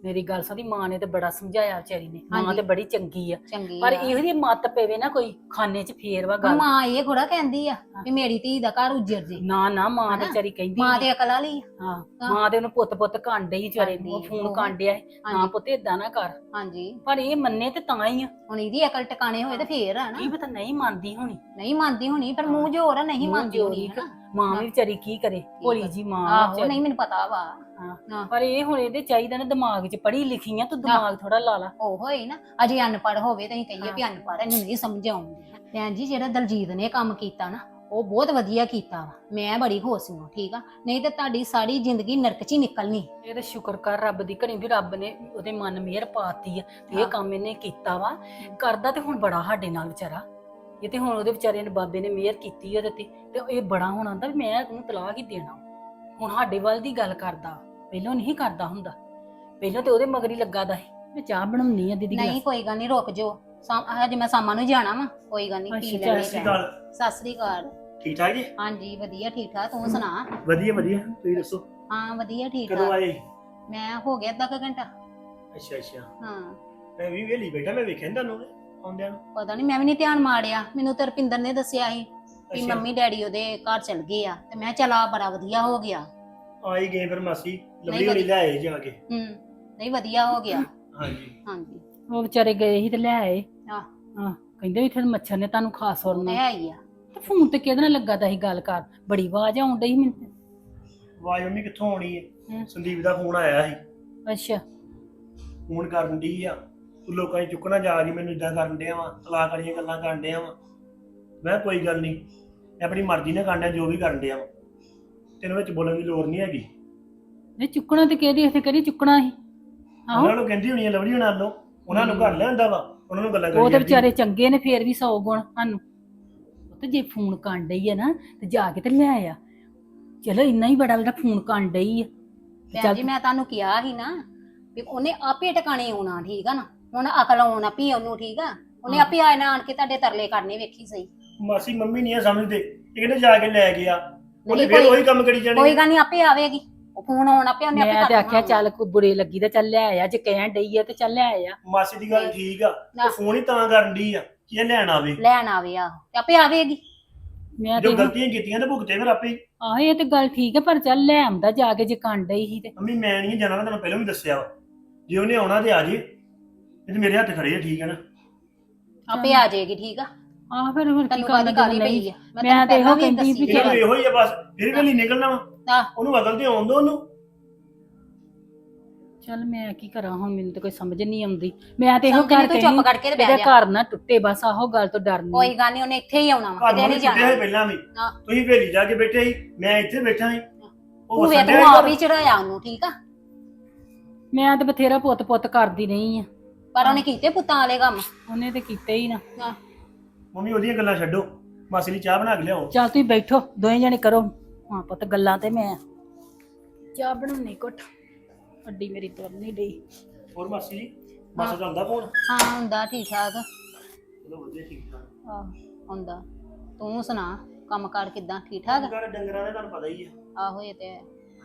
Speaker 5: ਮੇਰੀ ਗੱਲ ਸੁਣੀ, ਮਾਂ ਨੇ ਤੇ ਬੜਾ ਸਮਝਾਇਆ ਵਿਚਾਰੀ ਨੇ, ਮਾਂ
Speaker 1: ਹਾਂਜੀ।
Speaker 5: ਤੇ ਬੜੀ ਚੰਗੀ ਆ,
Speaker 1: ਚੰਗੀ
Speaker 5: ਪਰ
Speaker 1: ਆ।
Speaker 5: ਇਹੋ ਜਿਹੀ ਮੱਤ ਪਵੇ ਨਾ ਕੋਈ ਖਾਨੇ 'ਚ ਫੇਰ ਵਾ ਗੱਲ।
Speaker 1: ਮਾਂ ਇਹ ਥੋੜਾ ਕਹਿੰਦੀ ਆ ਵੀ ਮੇਰੀ ਧੀ ਦਾ ਘਰ ਉੱਜੜ ਜੇ।
Speaker 5: ਨਾ ਨਾ ਮਾਂ ਤੇ
Speaker 1: ਹਨਾ?
Speaker 5: ਵਿਚਾਰੀ ਕਹਿੰਦੀ
Speaker 1: ਮਾਂ
Speaker 5: ਨੀ।
Speaker 1: ਤੇ ਅਕਲ ਵਾਲੀ ਆ।
Speaker 5: ਹਾਂ
Speaker 1: ਹਾਂ।
Speaker 5: ਮਾਂ ਦੇ ਉਹਨੂੰ ਪੁੱਤ ਪੁੱਤ ਕਾਂਡੇ ਹੀ ਵਿਚਾਰੇ ਨੂੰ, ਉਹ
Speaker 1: ਕਾਂਡੀ,
Speaker 5: ਫੋਨ
Speaker 1: ਉਹ।
Speaker 5: ਕਾਂਡਿਆ ਸੀ, ਨਾ
Speaker 1: ਹਾਂਜੀ
Speaker 5: ਪੁੱਤ ਏਦਾਂ ਨਾ ਕਰ,
Speaker 1: ਹਾਂਜੀ।
Speaker 5: ਪਰ ਇਹ ਮੰਨੇ ਤੇ ਤਾਂ ਹੀ ਆ।
Speaker 1: ਹੁਣ ਇਹਦੀ ਅਕਲ ਟਿਕਾਣੇ ਹੋਏ ਤੇ ਫੇਰ ਆ
Speaker 5: ਕੀ
Speaker 1: ਨਾ।
Speaker 5: ਪਤਾ ਨਹੀਂ ਮੰਨਦੀ ਹੋਣੀ,
Speaker 1: ਨਹੀਂ ਮੰਨਦੀ ਹੋਣੀ, ਪਰ ਮੂੰਹ ਜੋਰ ਆ, ਨਹੀਂ
Speaker 5: ਮੂੰਹ
Speaker 1: ਮੰਨਦੀ ਹੋਣੀ
Speaker 5: ਜੋਰੀ,
Speaker 1: ਹਨਾ।
Speaker 5: ਮਾਂ ਵੀ ਵਿਚਾਰੀ ਕੀ ਕਰੇ, ਭੋਲੀ ਜੀ ਮਾਂ ਵਾ
Speaker 1: ਆਹੋ
Speaker 5: ਵਿਚਾਰੀ।
Speaker 1: ਨਹੀਂ ਮੈਨੂੰ ਪਤਾ ਵਾ।
Speaker 5: ਹਾਂ।
Speaker 1: ਹਾਂ।
Speaker 5: ਪਰ ਇਹ ਹੁਣ ਇਹਦੇ ਚਾਹੀਦਾ ਨਾ ਦਿਮਾਗ 'ਚ, ਪੜ੍ਹੀ ਲਿਖੀ ਆ ਤੂੰ, ਦਿਮਾਗ ਥੋੜਾ ਲਾ ਲਾ।
Speaker 1: ਉਹ ਹੋਏ ਨਾ ਅਜੇ ਅਨਪੜ੍ਹ ਹੋਵੇ ਤਾਂ ਅਸੀਂ ਕਹੀਏ ਵੀ ਅਨਪੜ੍ਹ, ਇਹਨੂੰ ਨਹੀਂ ਸਮਝ ਆਉਂਦੀ। ਭੈਣ ਜੀ ਜਿਹੜਾ ਦਲਜੀਤ ਨੇ ਕੰਮ ਕੀਤਾ ਨਾ, ਉਹ ਬਹੁਤ ਵਧੀਆ ਕੀਤਾ ਵਾ। ਮੈਂ ਬੜੀ ਖੁਸ਼ ਹਾਂ, ਠੀਕ ਆ, ਨਹੀਂ ਤਾਂ ਤੁਹਾਡੀ ਸਾਰੀ ਜ਼ਿੰਦਗੀ ਨਰਕ 'ਚ ਹੀ ਨਿਕਲਣੀ।
Speaker 5: ਇਹ ਤਾਂ ਸ਼ੁਕਰ ਕਰ ਰੱਬ ਦੀ ਘੜੀ ਵੀ ਰੱਬ ਨੇ ਉਹਦੇ ਮਨ ਮਿਹਰ ਪਾਤੀ ਆ ਤੇ ਇਹ
Speaker 1: ਹਾਂ।
Speaker 5: ਕੰਮ ਇਹਨੇ ਕੀਤਾ ਵਾ। ਕਰਦਾ ਤੇ ਹੁਣ ਬੜਾ ਸਾਡੇ ਨਾਲ ਵਿਚਾਰਾ, ਇਹ ਤੇ ਹੁਣ ਉਹਦੇ ਵਿਚਾਰੇ ਨੇ ਬਾਬੇ ਨੇ ਮਿਹਰ ਕੀਤੀ ਉਹਦੇ ਤੇ ਤੇ ਇਹ ਬੜਾ ਹੁਣ ਆਂਦਾ ਵੀ ਮੈਂ ਉਹਨੂੰ ਤਲਾਕ ਹੀ ਦੇਣਾ। ਹੁਣ ਸਾਡੇ ਵੱਲ ਦੀ ਗੱਲ ਕਰਦਾ, ਪਹਿਲਾਂ ਨਹੀਂ ਕਰਦਾ ਹੁੰਦਾ, ਪਹਿਲਾਂ ਤੇ ਉਹਦੇ ਮਗਰ ਹੀ ਲੱਗਾ ਦਾ ਸੀ। ਮੈਂ ਚਾਹ ਬਣਾਉਣੀ ਆ ਦੀਦੀ।
Speaker 1: ਨਹੀਂ ਕੋਈ ਗੱਲ ਨਹੀਂ, ਰੁਕ ਜਾਓ, ਹਜੇ ਮੈਂ ਸ਼ਾਮਾਂ ਨੂੰ ਜਾਣਾ ਵਾ, ਕੋਈ ਗੱਲ ਨਹੀਂ, ਪੀ
Speaker 5: ਅੱਛਾ,
Speaker 1: ਲੈਣੇ।
Speaker 3: ਸਤਿ ਸ਼੍ਰੀ ਅਕਾਲ।
Speaker 1: ਸਤਿ ਸ੍ਰੀ ਅਕਾਲ।
Speaker 3: ਠੀਕ ਠਾਕ ਜੀ?
Speaker 1: ਹਾਂਜੀ ਵਧੀਆ ਠੀਕ ਠਾਕ, ਤੂੰ ਸੁਣਾ?
Speaker 3: ਵਧੀਆ ਵਧੀਆ, ਤੁਸੀਂ ਦੱਸੋ
Speaker 1: ਹਾਂ ਵਧੀਆ ਠੀਕ
Speaker 3: ਕਦੋਂ
Speaker 1: ਠਾਕ।
Speaker 3: ਆਏ?
Speaker 1: ਮੈਂ ਹੋ ਗਿਆ ਅੱਧਾ ਕੁ ਘੰਟਾ।
Speaker 3: ਅੱਛਾ ਅੱਛਾ,
Speaker 1: ਹਾਂ
Speaker 3: ਮੈਂ ਵੀ ਵੇਲੀ ਬੈਠਾ, ਮੈਂ ਵੇਖਿਆ ਨੀ ਤੁਹਾਨੂੰ ਆਉਂਦਿਆਂ ਨੂੰ।
Speaker 1: ਪਤਾ ਨਹੀਂ, ਮੈਂ ਵੀ ਨਹੀਂ ਧਿਆਨ ਮਾਰਿਆ, ਮੈਨੂੰ ਤਾਂ ਰੁਪਿੰਦਰ ਨੇ ਦੱਸਿਆ ਸੀ ਕਿ
Speaker 3: ਅੱਛਾ।
Speaker 1: ਮੰਮੀ ਡੈਡੀ ਉਹਦੇ ਘਰ ਚਲ ਗਏ ਆ, ਤੇ ਮੈਂ ਚਲਾ ਬੜਾ ਵਧੀਆ ਹੋ ਗਿਆ।
Speaker 3: ਆਈ ਗਏ ਫਿਰ ਮਾਸੀ, ਲਵਲੀ
Speaker 1: ਨਹੀਂ
Speaker 3: ਹੋਣੀ ਲੈ ਆਏ ਜਾ ਕੇ।
Speaker 1: ਹੂੰ ਨਹੀਂ ਵਧੀਆ ਹੋ ਗਿਆ।
Speaker 3: ਹਾਂਜੀ।
Speaker 1: ਹਾਂਜੀ
Speaker 5: ਉਹ ਵਿਚਾਰੇ ਗਏ ਸੀ ਤੇ ਲੈ ਆਏ।
Speaker 1: ਆਹ।
Speaker 5: ਹਾਂ ਕਹਿੰਦੇ ਵੀ ਇੱਥੇ ਮੱਛਰ ਨੇ ਤੁਹਾਨੂੰ ਖਾਸ
Speaker 1: ਉਹ
Speaker 5: ਸੁਰਨਾ।
Speaker 1: ਤੇ ਹੈ ਹੀ ਆ।
Speaker 5: ਤੇ ਫੋਨ ਤੇ ਕਿਹਦੇ ਨਾਲ ਲੱਗਾ ਤਾਂ ਸੀ ਗੱਲ ਕਰ, ਬੜੀ ਆਵਾਜ਼ ਆਉਣ ਡਈ ਸੀ ਮੈਨੂੰ ਤੇ।
Speaker 3: ਆਵਾਜ਼ ਮੰਮੀ ਕਿੱਥੋਂ ਆਉਣੀ ਹੈ?
Speaker 5: ਹਮ।
Speaker 3: ਸੰਦੀਪ ਦਾ ਫੋਨ ਆਇਆ ਸੀ,
Speaker 5: ਅੱਛਾ
Speaker 3: ਫੋਨ ਕਰਨ ਦੀ ਆ, ਤੂੰ ਲੋਕਾਂ 'ਚ ਚੁੱਕਣਾ ਜਾ ਰਹੀ, ਮੈਨੂੰ ਇਦਾਂ ਕਰਨ ਡਿਆ ਵਾ, ਤਲਾਕ ਵਾਲੀਆਂ ਗੱਲਾਂ ਕਰਨ ਡਿਆ ਵਾ। ਮੈਂ ਕਿਹਾ ਕੋਈ ਗੱਲ ਨਹੀਂ, ਮੈਂ ਆਪਣੀ ਮਰਜ਼ੀ ਨਾਲ ਕਰਨ ਡਿਆ ਜੋ ਵੀ ਕਰਨ ਡਿਆ ਵਾ, ਤੈਨੂੰ ਵਿੱਚ ਬੋਲਣ ਦੀ ਲੋੜ ਨਹੀਂ ਹੈਗੀ।
Speaker 5: ਇਹ ਚੁੱਕਣਾ ਤੇ ਕਿਹਦੀ ਇੱਥੇ ਕਿਹੜੀ ਚੁੱਕਣਾ ਸੀ। ਆਹੋ
Speaker 3: ਉਹਨਾਂ ਨੂੰ ਕਹਿੰਦੀ ਹੋਣੀ ਆ ਲਵਲੀ ਹੋਣਾ ਨੂੰ, ਉਹਨਾਂ ਨੂੰ ਘਰ ਲਿਆਂਦਾ ਵਾ, ਉਹਨਾਂ ਨੂੰ ਗੱਲਾਂ ਕਰੀ
Speaker 5: ਉਹ ਤੇ
Speaker 3: ਜਾਂਦੀ।
Speaker 5: ਵਿਚਾਰੇ ਚੰਗੇ ਨੇ, ਫੇਰ ਵੀ ਸੌ ਗੁਣ ਸਾਨੂੰ। ਉਹ ਤੇ ਜੇ ਫੋਨ ਕਰਨ ਡਈ ਆ ਨਾ ਤੇ ਜਾ ਕੇ ਤੇ ਲੈ ਆ, ਚਲੋ ਇੰਨਾ ਹੀ ਬੜਾ ਜਿਹੜਾ ਫੋਨ ਕਰਨ ਡਈ ਆ।
Speaker 1: ਭੈਣ ਜੀ ਮੈਂ ਤੁਹਾਨੂੰ ਕਿਹਾ ਸੀ ਨਾ ਵੀ ਉਹਨੇ ਆਪੇ ਟਿਕਾਣੇ ਆਉਣਾ, ਠੀਕ ਆ ਨਾ, ਹੁਣ ਅਕਲ ਆਉਣਾ ਪਈ ਉਹਨੂੰ, ਠੀਕ ਆ, ਉਹਨੇ ਆਪੇ ਆਣਾ ਆਣ ਕੇ ਤੁਹਾਡੇ ਤਰਲੇ ਕਰਨੇ, ਵੇਖੀ ਸਹੀ।
Speaker 3: ਮਾਸੀ ਮੰਮੀ ਨਹੀਂ ਆ ਸਮਝਦੇ, ਇਹ ਕਹਿੰਦੇ ਜਾ ਕੇ ਲੈ ਗਿਆ, ਉਹਨੇ
Speaker 1: ਨਹੀਂ
Speaker 3: ਫੇਰ
Speaker 1: ਕੋਈ-
Speaker 3: ਉਹੀ ਕੰਮ ਕਰੀ ਜਾਣੇ।
Speaker 1: ਕੋਈ ਗੱਲ ਨਹੀਂ, ਆਪੇ ਆਵੇਗੀ, ਉਹ ਫੋਨ ਆਉਣਾ ਪਿਆ, ਉਹਨੇ ਆਪੇ
Speaker 5: ਮੈਂ
Speaker 1: ਕਰ
Speaker 5: ਤੇ ਆਖਿਆ
Speaker 1: ਦੇਣਾ।
Speaker 5: ਚੱਲ ਕੋਈ ਬੁਰੇ ਲੱਗੀ ਤਾਂ ਚੱਲ ਲੈ ਆ, ਜੇ ਕਹਿਣ ਡਈ ਆ ਤੇ ਚੱਲ ਲੈ ਆ।
Speaker 3: ਮਾਸੀ ਦੀ ਗੱਲ ਠੀਕ ਆ,
Speaker 1: ਨਾ।
Speaker 3: ਉਹ ਫੋਨ ਹੀ ਤਾਂ ਕਰਨ ਦੀ ਆ ਕਿ ਇਹ ਲੈਣ ਆਵੇ।
Speaker 1: ਲੈਣ ਆਵੇ, ਆਹੋ, ਤੇ ਆਪੇ ਆਵੇਗੀ।
Speaker 5: ਮੈਂ ਤੇ
Speaker 3: ਜੋ ਗਲਤੀਆਂ ਕੀਤੀਆਂ ਤੇ ਭੁਗਤੇ ਫਿਰ ਆਪੇ ਹੀ।
Speaker 5: ਆਹ ਇਹ ਤੇ ਗੱਲ ਠੀਕ ਹੈ, ਪਰ ਚੱਲ ਲੈ ਆਉਂਦਾ ਜਾ ਕੇ ਜੇ ਕਰਨ ਡਈ ਸੀ ਤੇ।
Speaker 3: ਮੰਮੀ ਮੈਂ ਨਹੀਂ ਜਾਣਾ, ਮੈਂ ਤੁਹਾਨੂੰ ਪਹਿਲਾਂ ਵੀ ਦੱਸਿਆ ਵਾ, ਜੇ ਉਹਨੇ ਆਉਣਾ ਤੇ ਆ ਜੇ, ਇਹ ਤੇ ਮੇਰੇ ਹੱਥ ਖੜੇ ਆ, ਠੀਕ ਹੈ ਨਾ।
Speaker 1: ਆਪੇ ਆ ਜਾਏਗੀ, ਠੀਕ ਆ।
Speaker 5: ਆਹ ਫਿਰ ਹੁਣ ਕੀ
Speaker 1: ਤੈਨੂੰ
Speaker 5: ਕਰਨਾ
Speaker 1: ਕਾਹਦੀ ਕਾਹਲੀ
Speaker 5: ਨਹੀਂ।
Speaker 1: ਪਈ ਆ,
Speaker 5: ਮੈਂ
Speaker 1: ਤੈਨੂੰ
Speaker 5: ਤੇ ਇਹੋ
Speaker 1: ਪਹਿਲਾਂ ਵੀ
Speaker 5: ਕਹਿੰਦੀ
Speaker 1: ਦੱਸੀ
Speaker 5: ਵੀ
Speaker 3: ਇਹਨੂੰ
Speaker 1: ਆ।
Speaker 3: ਇਹੋ ਹੀ ਆ ਬਸ, ਫਿਰ ਵੇਲੀ ਨਿਕਲਣਾ ਵਾ,
Speaker 1: ਆਹ,
Speaker 3: ਉਹਨੂੰ ਅਕਲ ਤੇ ਆਉਣ ਦੋ ਉਹਨੂੰ।
Speaker 5: ਚੱਲ ਮੈਂ ਕੀ ਕਰਾਂ ਹੁਣ, ਮੈਨੂੰ ਤਾਂ ਕੋਈ ਸਮਝ ਨਹੀਂ ਆਉਂਦੀ। ਮੈਂ ਤੇ ਇਹੋ
Speaker 1: ਸਮਝ ਨੀ,
Speaker 5: ਗੱਲ
Speaker 1: ਤੂੰ
Speaker 5: ਕਹਿੰਦੀ
Speaker 1: ਚੁੱਪ ਕਰਕੇ ਤੇ ਬਹਿ
Speaker 5: ਇਹਦੇ
Speaker 1: ਜਾ।
Speaker 5: ਘਰ ਨਾ ਟੁੱਟੇ, ਬਸ ਆਹੋ ਗੱਲ ਤੋਂ ਡਰਨੀ।
Speaker 1: ਕੋਈ ਗੱਲ ਨਹੀਂ, ਉਹਨੇ ਇੱਥੇ ਹੀ ਆਉਣਾ ਵਾ,
Speaker 3: ਘਰ
Speaker 1: ਕਿਤੇ
Speaker 3: ਨੂੰ
Speaker 1: ਨਹੀਂ
Speaker 3: ਛੁੱਟਿਆ
Speaker 1: ਜਾਣਾ।
Speaker 3: ਸੀ ਪਹਿਲਾਂ ਵੀ,
Speaker 1: ਹਾਂ।
Speaker 3: ਤੁਸੀਂ ਵੇਲੀ ਜਾ ਕੇ ਬੈਠੇ ਸੀ, ਮੈਂ ਇੱਥੇ ਬੈਠਾ ਸੀ। ਉਹ
Speaker 1: ਤੂੰ ਵੇ
Speaker 3: ਵਸਣ
Speaker 1: ਤੂੰ
Speaker 3: ਡਿਆ
Speaker 1: ਆਪ
Speaker 3: ਸੀ।
Speaker 1: ਹੀ ਚੜਾਇਆ ਉਹਨੂੰ, ਠੀਕ ਆ,
Speaker 5: ਮੈਂ ਤੇ ਬਥੇਰਾ ਪੁੱਤ ਪੁੱਤ ਕਰਦੀ ਰਹੀ ਆ,
Speaker 1: ਪਰ ਉਹਨੇ ਕੀਤੇ ਪੁੱਤਾਂ ਵਾਲੇ ਕੰਮ।
Speaker 5: ਉਹਨੇ ਤੇ ਕੀਤੇ ਹੀ ਨਾ।
Speaker 1: ਹਾਂ
Speaker 3: ਮੰਮੀ ਉਹਦੀਆਂ ਗੱਲਾਂ ਛੱਡੋ, ਮਾਸੀ ਲਈ ਚਾਹ ਬਣਾ ਕੇ ਲਿਆਓ।
Speaker 5: ਚੱਲ ਤੁਸੀਂ ਬੈਠੋ ਦੋਵੇਂ ਜਣੇ ਕਰੋ ਹਾਂ ਪੁੱਤ ਗੱਲਾਂ, ਤੇ ਮੈਂ ਚਾਹ ਬਣਾਉਣੀ ਘੁੱਟ, ਅੱਡੀ ਮੇਰੀ ਤੁਰ ਨਹੀਂ ਡਈ।
Speaker 3: ਹੋਰ ਮਾਸੀ ਜੀ, ਮਾਸਾ ਦਾ ਹੁੰਦਾ ਫੋਨ?
Speaker 1: ਹਾਂ ਹੁੰਦਾ ਠੀਕ ਠਾਕ।
Speaker 3: ਚਲੋ ਵਧੀਆ, ਠੀਕ ਠਾਕ।
Speaker 1: ਆਹ ਹੁੰਦਾ। ਤੂੰ ਸੁਣਾ, ਕੰਮ ਕਾਰ ਕਿੱਦਾਂ, ਠੀਕ ਠਾਕ?
Speaker 3: ਘਰ ਡੰਗਰਾਂ ਦੇ ਤੁਹਾਨੂੰ ਪਤਾ ਹੀ ਆ।
Speaker 1: ਆਹੋ ਇਹ ਤੇ ਹੈ।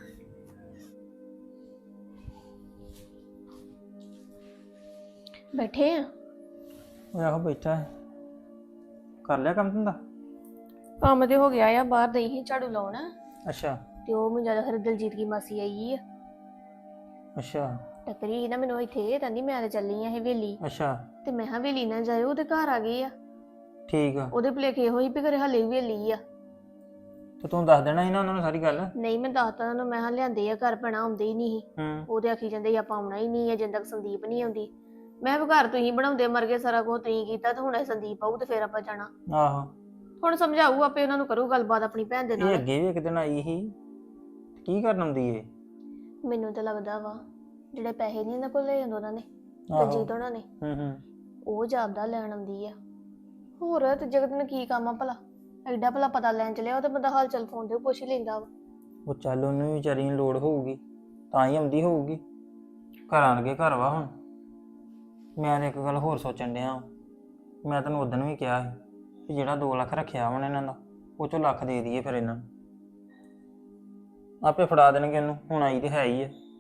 Speaker 4: ਬੈਠੇ ਆ।
Speaker 6: ਉਹ ਆਹੋ ਬੈਠਾ ਹੈ। ਕਰ ਲਿਆ ਕੰਮ ਧੰਦਾ?
Speaker 4: ਕੰਮ ਤੇ ਹੋ ਗਿਆ ਆ, ਬਾਹਰ ਦਈ ਸੀ ਝਾੜੂ ਲਾਉਣ,
Speaker 6: ਅੱਛਾ
Speaker 4: ਤੇ ਉਹ ਮੈਨੂੰ ਜਿਆਦਾ ਫਿਰ ਦਲਜੀਤ ਦੀ ਮਾਸੀ ਆਈ ਆ,
Speaker 6: ਅੱਛਾ
Speaker 4: ਟੱਕਰੀ ਸੀ ਨਾ ਮੈਨੂੰ ਇੱਥੇ, ਕਹਿੰਦੀ ਮੈਂ ਤੇ ਚੱਲੀ ਆ ਹਵੇਲੀ,
Speaker 6: ਅੱਛਾ
Speaker 4: ਤੇ ਮੈਂ ਕਿਹਾ ਹਵੇਲੀ ਨਾ ਜਾਇਓ, ਉਹਦੇ ਘਰ ਆ ਗਏ ਆ।
Speaker 6: ਠੀਕ ਆ।
Speaker 4: ਉਹਦੇ ਭੁਲੇਖੇ ਹੋਈ ਵੀ ਘਰੇ ਹਲੇ ਹਵੇਲੀ ਆ।
Speaker 6: ਤੇ ਤੂੰ ਦੱਸ ਦੇਣਾ ਸੀ ਨਾ ਉਹਨਾਂ ਨੂੰ ਸਾਰੀ ਗੱਲ।
Speaker 4: ਨਹੀਂ ਮੈਂ ਦੱਸਤਾ ਉਹਨਾਂ ਨੂੰ, ਮੈਂ ਕਿਹਾ ਲਿਆਂਦੇ ਆ ਘਰ, ਭੈਣਾ ਆਉਂਦੇ ਹੀ ਨਹੀਂ ਸੀ।
Speaker 6: ਹੂੰ
Speaker 4: ਉਹਦੇ ਆਖੀ ਜਾਂਦੇ ਸੀ ਆਪਾਂ ਆਉਣਾ ਹੀ ਨਹੀਂ ਹੈ ਜਿੰਨ ਤੱਕ ਸੰਦੀਪ ਨਹੀਂ ਆਉਂਦੀ। ਮੈਂ ਵੀ ਘਰ ਤੁਸੀਂ ਬਣਾਉਂਦੇ ਮਰ ਗਏ, ਸਾਰਾ ਕੁਝ ਤੁਸੀਂ ਕੀਤਾ, ਤੇ ਹੁਣ ਇਹ ਸੰਦੀਪ ਆਊ ਤੇ ਫੇਰ ਆਪਾਂ ਜਾਣਾ।
Speaker 6: ਆਹੋ
Speaker 4: ਹੁਣ ਸਮਝਾਊ ਆਪੇ, ਉਹਨਾਂ ਨੂੰ ਕਰੂ ਗੱਲਬਾਤ ਆਪਣੀ ਭੈਣ ਦੇ
Speaker 6: ਇਹ
Speaker 4: ਨਾਲ।
Speaker 6: ਅੱਗੇ ਵੀ ਇੱਕ ਦਿਨ ਆਈ ਸੀ, ਕੀ ਕਰਨ ਆਉਂਦੀ ਏ?
Speaker 4: ਮੈਨੂੰ ਤਾਂ ਲੱਗਦਾ ਵਾ ਜਿਹੜੇ ਪੈਸੇ ਨਹੀਂ ਇਹਨਾਂ ਕੋਲ ਲੈ ਜਾਂਦੇ ਉਹਨਾਂ ਨੇ,
Speaker 6: ਆਹੋ
Speaker 4: ਦਲਜੀਤ ਉਹਨਾਂ ਨੇ,
Speaker 6: ਹੂੰ ਹੂੰ
Speaker 4: ਉਹ ਜਾਪਦਾ ਲੈਣ ਆਉਂਦੀ ਆ। ਹੋਰ ਤੇ ਜਗਤ ਨੂੰ ਕੀ ਕੰਮ ਆ ਭਲਾ, ਐਡਾ ਭਲਾ ਪਤਾ ਲੈਣ ਚਲਿਆ, ਉਹ ਤੇ ਬੰਦਾ ਹਾਲ ਚਾਲ ਫੋਨ ਤੇ ਪੁੱਛ ਹੀ ਲੈਂਦਾ ਵਾ।
Speaker 6: ਉਹ ਚੱਲ ਉਹਨੂੰ ਵੀ ਵਿਚਾਰੀ ਨੂੰ ਲੋੜ ਹੋਊਗੀ ਤਾਂ ਹੀ ਆਉਂਦੀ ਹੋਊਗੀ। ਘਰਾਂ ਲੱਗੇ ਘਰ ਵਾ ਹੁਣ। ਮੈਂ ਤਾਂ ਇੱਕ ਗੱਲ ਹੋਰ ਸੋਚਣ ਡਿਆ, ਮੈਂ ਤੈਨੂੰ ਉਦੋਂ ਵੀ ਕਿਹਾ ਸੀ ਕਿ ਜਿਹੜਾ ਦੋ ਲੱਖ ਰੱਖਿਆ ਹੁਣ ਇਹਨਾਂ ਦਾ, ਉਹ ਚੋਂ ਲੱਖ ਦੇ ਦਈਏ ਫਿਰ ਇਹਨਾਂ ਨੂੰ, ਆਪੇ ਫੜਾ ਦੇਣਗੇ ਉਹਨੂੰ, ਹੁਣ ਆਈ ਤੇ ਹੈ ਹੀ ਆ।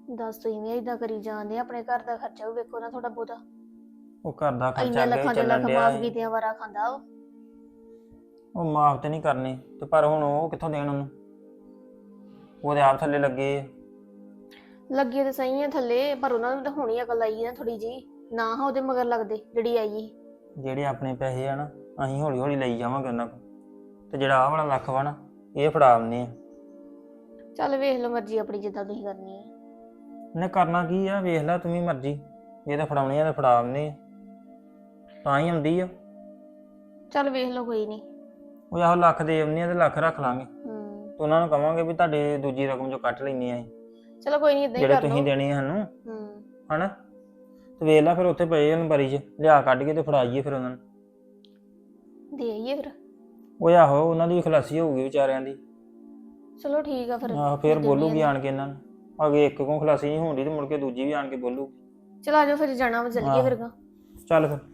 Speaker 4: ਦੱਸ ਤੁਸੀਂ ਵੀ ਇਦਾਂ ਕਰੀ ਜਾਂਦੇ ਆਪਣੇ ਘਰ ਦਾ ਖਰਚਾ ਵੀ ਵੇਖੋ ਨਾ ਥੋੜਾ ਬਹੁਤਾ।
Speaker 6: ਉਹ ਘਰ ਦਾ ਖਰਚਾ
Speaker 4: ਇੰਨੇ
Speaker 6: ਅੱਗੇ
Speaker 4: ਲੱਖਾਂ ਦੇ
Speaker 6: ਚੱਲਣ
Speaker 4: ਲੱਖ
Speaker 6: ਡਿਆ
Speaker 4: ਮਾਫ
Speaker 6: ਸੀ।
Speaker 4: ਕੀਤਿਆਂ ਵਾਰਾ ਖਾਂਦਾ ਉਹ।
Speaker 6: ਉਹ ਮਾਫ ਤੇ ਨਹੀਂ ਕਰਨੀ ਤੇ ਪਰ ਹੁਣ ਉਹ ਕਿੱਥੋਂ ਦੇਣ ਉਹਨੂੰ, ਉਹਦੇ ਆਪ ਥੱਲੇ ਲੱਗੇ ਆ।
Speaker 4: ਲੱਗੇ ਤੇ ਸਹੀ ਆ ਥੱਲੇ, ਪਰ ਉਹਨਾਂ ਨੂੰ ਤਾਂ ਹੋਣੀ ਅਕਲ ਆਈ ਨਾ ਥੋੜੀ ਜੀ, ਨਾ ਹਾਂ ਉਹਦੇ ਮਗਰ ਲੱਗਦੇ ਜਿਹੜੀ ਆਈ ਸੀ।
Speaker 6: ਜਿਹੜੇ ਆਪਣੇ ਪੈਸੇ ਆ ਨਾ ਅਸੀਂ ਹੌਲੀ ਹੌਲੀ ਲਈ ਜਾਵਾਂਗੇ ਉਹਨਾਂ ਕੋਲ, ਤੇ ਜਿਹੜਾ ਆਹ ਵਾਲਾ ਲੱਖ ਵਾ ਨਾ ਇਹ ਫੜਾ ਆਉਂਦੇ ਆ।
Speaker 4: ਚੱਲ ਵੇਖ ਲਓ ਮਰਜ਼ੀ ਆਪਣੀ ਜਿੱਦਾਂ ਤੁਸੀਂ ਕਰਨੀ ਹੈ।
Speaker 6: ਇਹਨੇ ਕਰਨਾ ਕੀ ਆ, ਵੇਖ ਲੈ ਤੂੰ ਵੀ ਮਰਜ਼ੀ, ਜੇ ਤਾਂ ਫੜਾਉਣੀ ਆ ਤਾਂ ਫੜਾ ਆਉਂਦੇ ਆ, ਤਾਂ ਹੀ ਆਉਂਦੀ ਆ।
Speaker 4: ਚੱਲ ਵੇਖ ਲਓ ਕੋਈ ਨਹੀਂ।
Speaker 6: ਉਹ ਆਹੋ ਲੱਖ ਦੇ ਆਉਂਦੇ ਆ ਤੇ ਲੱਖ ਰੱਖ ਲਾਂਗੇ,
Speaker 4: ਹੂੰ
Speaker 6: ਤੇ ਉਹਨਾਂ ਨੂੰ ਕਵਾਂਗੇ ਵੀ ਤੁਹਾਡੇ ਦੂਜੀ ਰਕਮ ਚੋਂ ਕੱਟ ਲੈਂਦੇ ਆ ਅਸੀਂ,
Speaker 4: ਚਲੋ ਕੋਈ ਨਹੀਂ ਇਦਾਂ ਹੀ
Speaker 6: ਜਿਹੜੇ
Speaker 4: ਕਰ ਲਓ।
Speaker 6: ਤੁਸੀਂ ਦੇਣੀ ਆ ਸਾਨੂੰ,
Speaker 4: ਹੂੰ
Speaker 6: ਹਨਾ। ਤੇ ਵੇਖ ਲੈ ਫਿਰ ਉੱਥੇ ਪਏ ਅਲਮਾਰੀ 'ਚ, ਲਿਆ ਕੱਢ ਕੇ ਤੇ ਫੜਾਈਏ ਫਿਰ ਉਹਨਾਂ ਨੂੰ।
Speaker 4: ਦੇ ਆਈਏ ਫਿਰ।
Speaker 6: ਉਹ ਆਹੋ ਉਹਨਾਂ ਦੀ ਵੀ ਖਲਾਸੀ ਹੋਊਗੀ ਵਿਚਾਰਿਆਂ ਦੀ।
Speaker 4: ਚਲੋ ਠੀਕ ਆ ਫਿਰ।
Speaker 6: ਆਹੋ ਫਿਰ
Speaker 4: ਦੇ
Speaker 6: ਬੋਲੂਗੀ
Speaker 4: ਦਿੰਦੇ
Speaker 6: ਆਣ ਕੇ ਇਹਨਾਂ ਨੂੰ, ਅਗੇ ਇੱਕ ਕੋਲ ਖਲਾਸੀ ਨਹੀਂ ਹੋਣੀ ਤੇ ਮੁੜ ਕੇ ਦੂਜੀ ਵੀ ਆਣ ਕੇ ਬੋਲੂ।
Speaker 4: ਚਲ ਆ ਜਾਓ ਫਿਰ, ਜਾਣਾ ਵਾ ਚੱਲੀਏ ਫਿਰ ਗਾ।
Speaker 6: ਚੱਲ ਫਿਰ।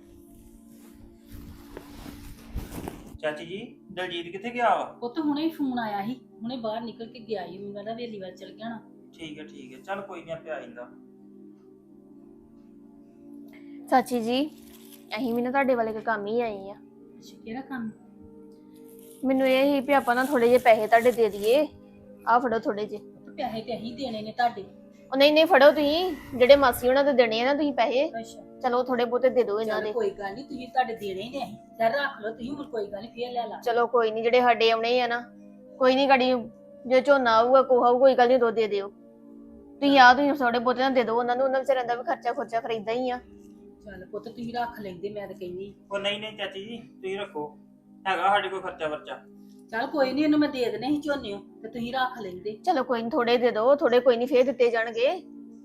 Speaker 6: ਚਾਚੀ ਜੀ ਦਲਜੀਤ ਕਿੱਥੇ ਗਿਆ ਵਾ?
Speaker 5: ਉਹ ਤਾਂ ਹੁਣੇ ਹੀ ਫੋਨ ਆਇਆ ਸੀ, ਹੁਣੇ ਬਾਹਰ ਨਿਕਲ ਕੇ ਗਿਆ ਸੀ, ਮੈਨੂੰ ਕਹਿੰਦਾ ਵੇਲੀ ਵੱਲ ਚਲ ਗਿਆ ਨਾ।
Speaker 6: ਠੀਕ ਹੈ ਠੀਕ ਹੈ, ਚੱਲ ਕੋਈ ਨਹੀਂ ਆਪੇ ਆ ਜਾਂਦਾ।
Speaker 4: ਚਾਚੀ ਜੀ ਅਸੀਂ ਵੀ ਨਾ ਤੁਹਾਡੇ ਵਾਲੇ ਕੇ ਕੰਮ ਹੀ ਆਏ ਆ।
Speaker 5: ਅੱਛਾ ਕਿਹੜਾ ਕੰਮ?
Speaker 4: ਮੈਨੂੰ ਇਹ ਹੀ ਵੀ ਆਪਾਂ ਨਾ ਥੋੜੇ ਜਿਹੇ ਪੈਸੇ ਤੁਹਾਡੇ ਦੇ ਦਈਏ। ਆਹ ਫੜੋ ਥੋੜੇ ਜਿਹੇ।
Speaker 5: ਤੇ ਪੈਸੇ ਤੇ ਅਸੀਂ ਦੇਣੇ ਨੇ ਤੁਹਾਡੇ।
Speaker 4: ਉਹ ਨਹੀਂ ਨਹੀਂ ਫੜੋ ਤੁਸੀਂ, ਜਿਹੜੇ ਮਾਸੀ ਉਹਨਾਂ ਦੇ ਦੇਣੇ ਆ ਨਾ ਤੁਸੀਂ ਪੈਸੇ,
Speaker 5: ਅੱਛਾ
Speaker 4: ਚਲੋ ਥੋੜੇ ਬਹੁਤੇ ਦੇ ਦਿਓ ਇਹਨਾਂ
Speaker 5: ਚੱਲ
Speaker 4: ਦੇ।
Speaker 5: ਕੋਈ ਗੱਲ ਨਹੀਂ, ਤੁਸੀਂ ਤੁਹਾਡੇ ਦੇਣੇ ਹੀ ਨੇ ਅਸੀਂ, ਚੱਲ ਰੱਖ ਲਓ ਤੁਸੀਂ, ਹੁਣ ਕੋਈ ਗੱਲ ਨਹੀਂ ਫੇਰ ਲੈ ਲਾ।
Speaker 4: ਚਲੋ ਕੋਈ ਨਹੀਂ, ਜਿਹੜੇ ਸਾਡੇ ਆਉਣੇ ਆ ਨਾ, ਕੋਈ ਨਹੀਂ ਗਾੜੀ ਜੇ ਝੋਨਾ ਆਊਗਾ ਕੋਹਾ ਆਊ ਕੋਈ ਗੱਲ ਨਹੀਂ, ਦੋ ਦੇ ਦਿਓ ਤੁਸੀਂ। ਆ ਤੁਸੀਂ ਥੋੜੇ ਬਹੁਤੇ ਨਾ ਦੇ ਦਿਓ ਉਹਨਾਂ ਨੂੰ, ਉਹਨਾਂ ਵਿਚਾਰਿਆਂ ਦਾ ਵੀ ਖਰਚਾ ਖੁਰਚਾ ਫਿਰ ਏਦਾਂ ਹੀ ਆ।
Speaker 5: ਚੱਲ ਪੁੱਤ ਤੁਸੀਂ ਰੱਖ ਲੈਂਦੇ, ਮੈਂ ਤਾਂ ਕਹਿੰਦੀ।
Speaker 6: ਉਹ ਨਹੀਂ ਨਹੀਂ ਚਾਚੀ ਜੀ ਤੁਸੀਂ ਰੱਖੋ, ਹੈਗਾ ਸਾਡੇ ਕੋਲ ਖਰਚਾ ਵਰਚਾ।
Speaker 5: ਚੱਲ ਕੋਈ ਨਹੀਂ, ਇਹਨੂੰ ਮੈਂ ਦੇ ਦੇਣੇ ਸੀ ਝੋਨੇ ਤੇ ਤੁਸੀਂ ਰੱਖ ਲੈਂਦੇ।
Speaker 4: ਚਲੋ ਕੋਈ ਨਹੀਂ, ਥੋੜੇ ਦੇ ਦਿਓ, ਥੋੜੇ ਕੋਈ ਨਹੀਂ ਫੇਰ ਦਿੱਤੇ ਜਾਣਗੇ।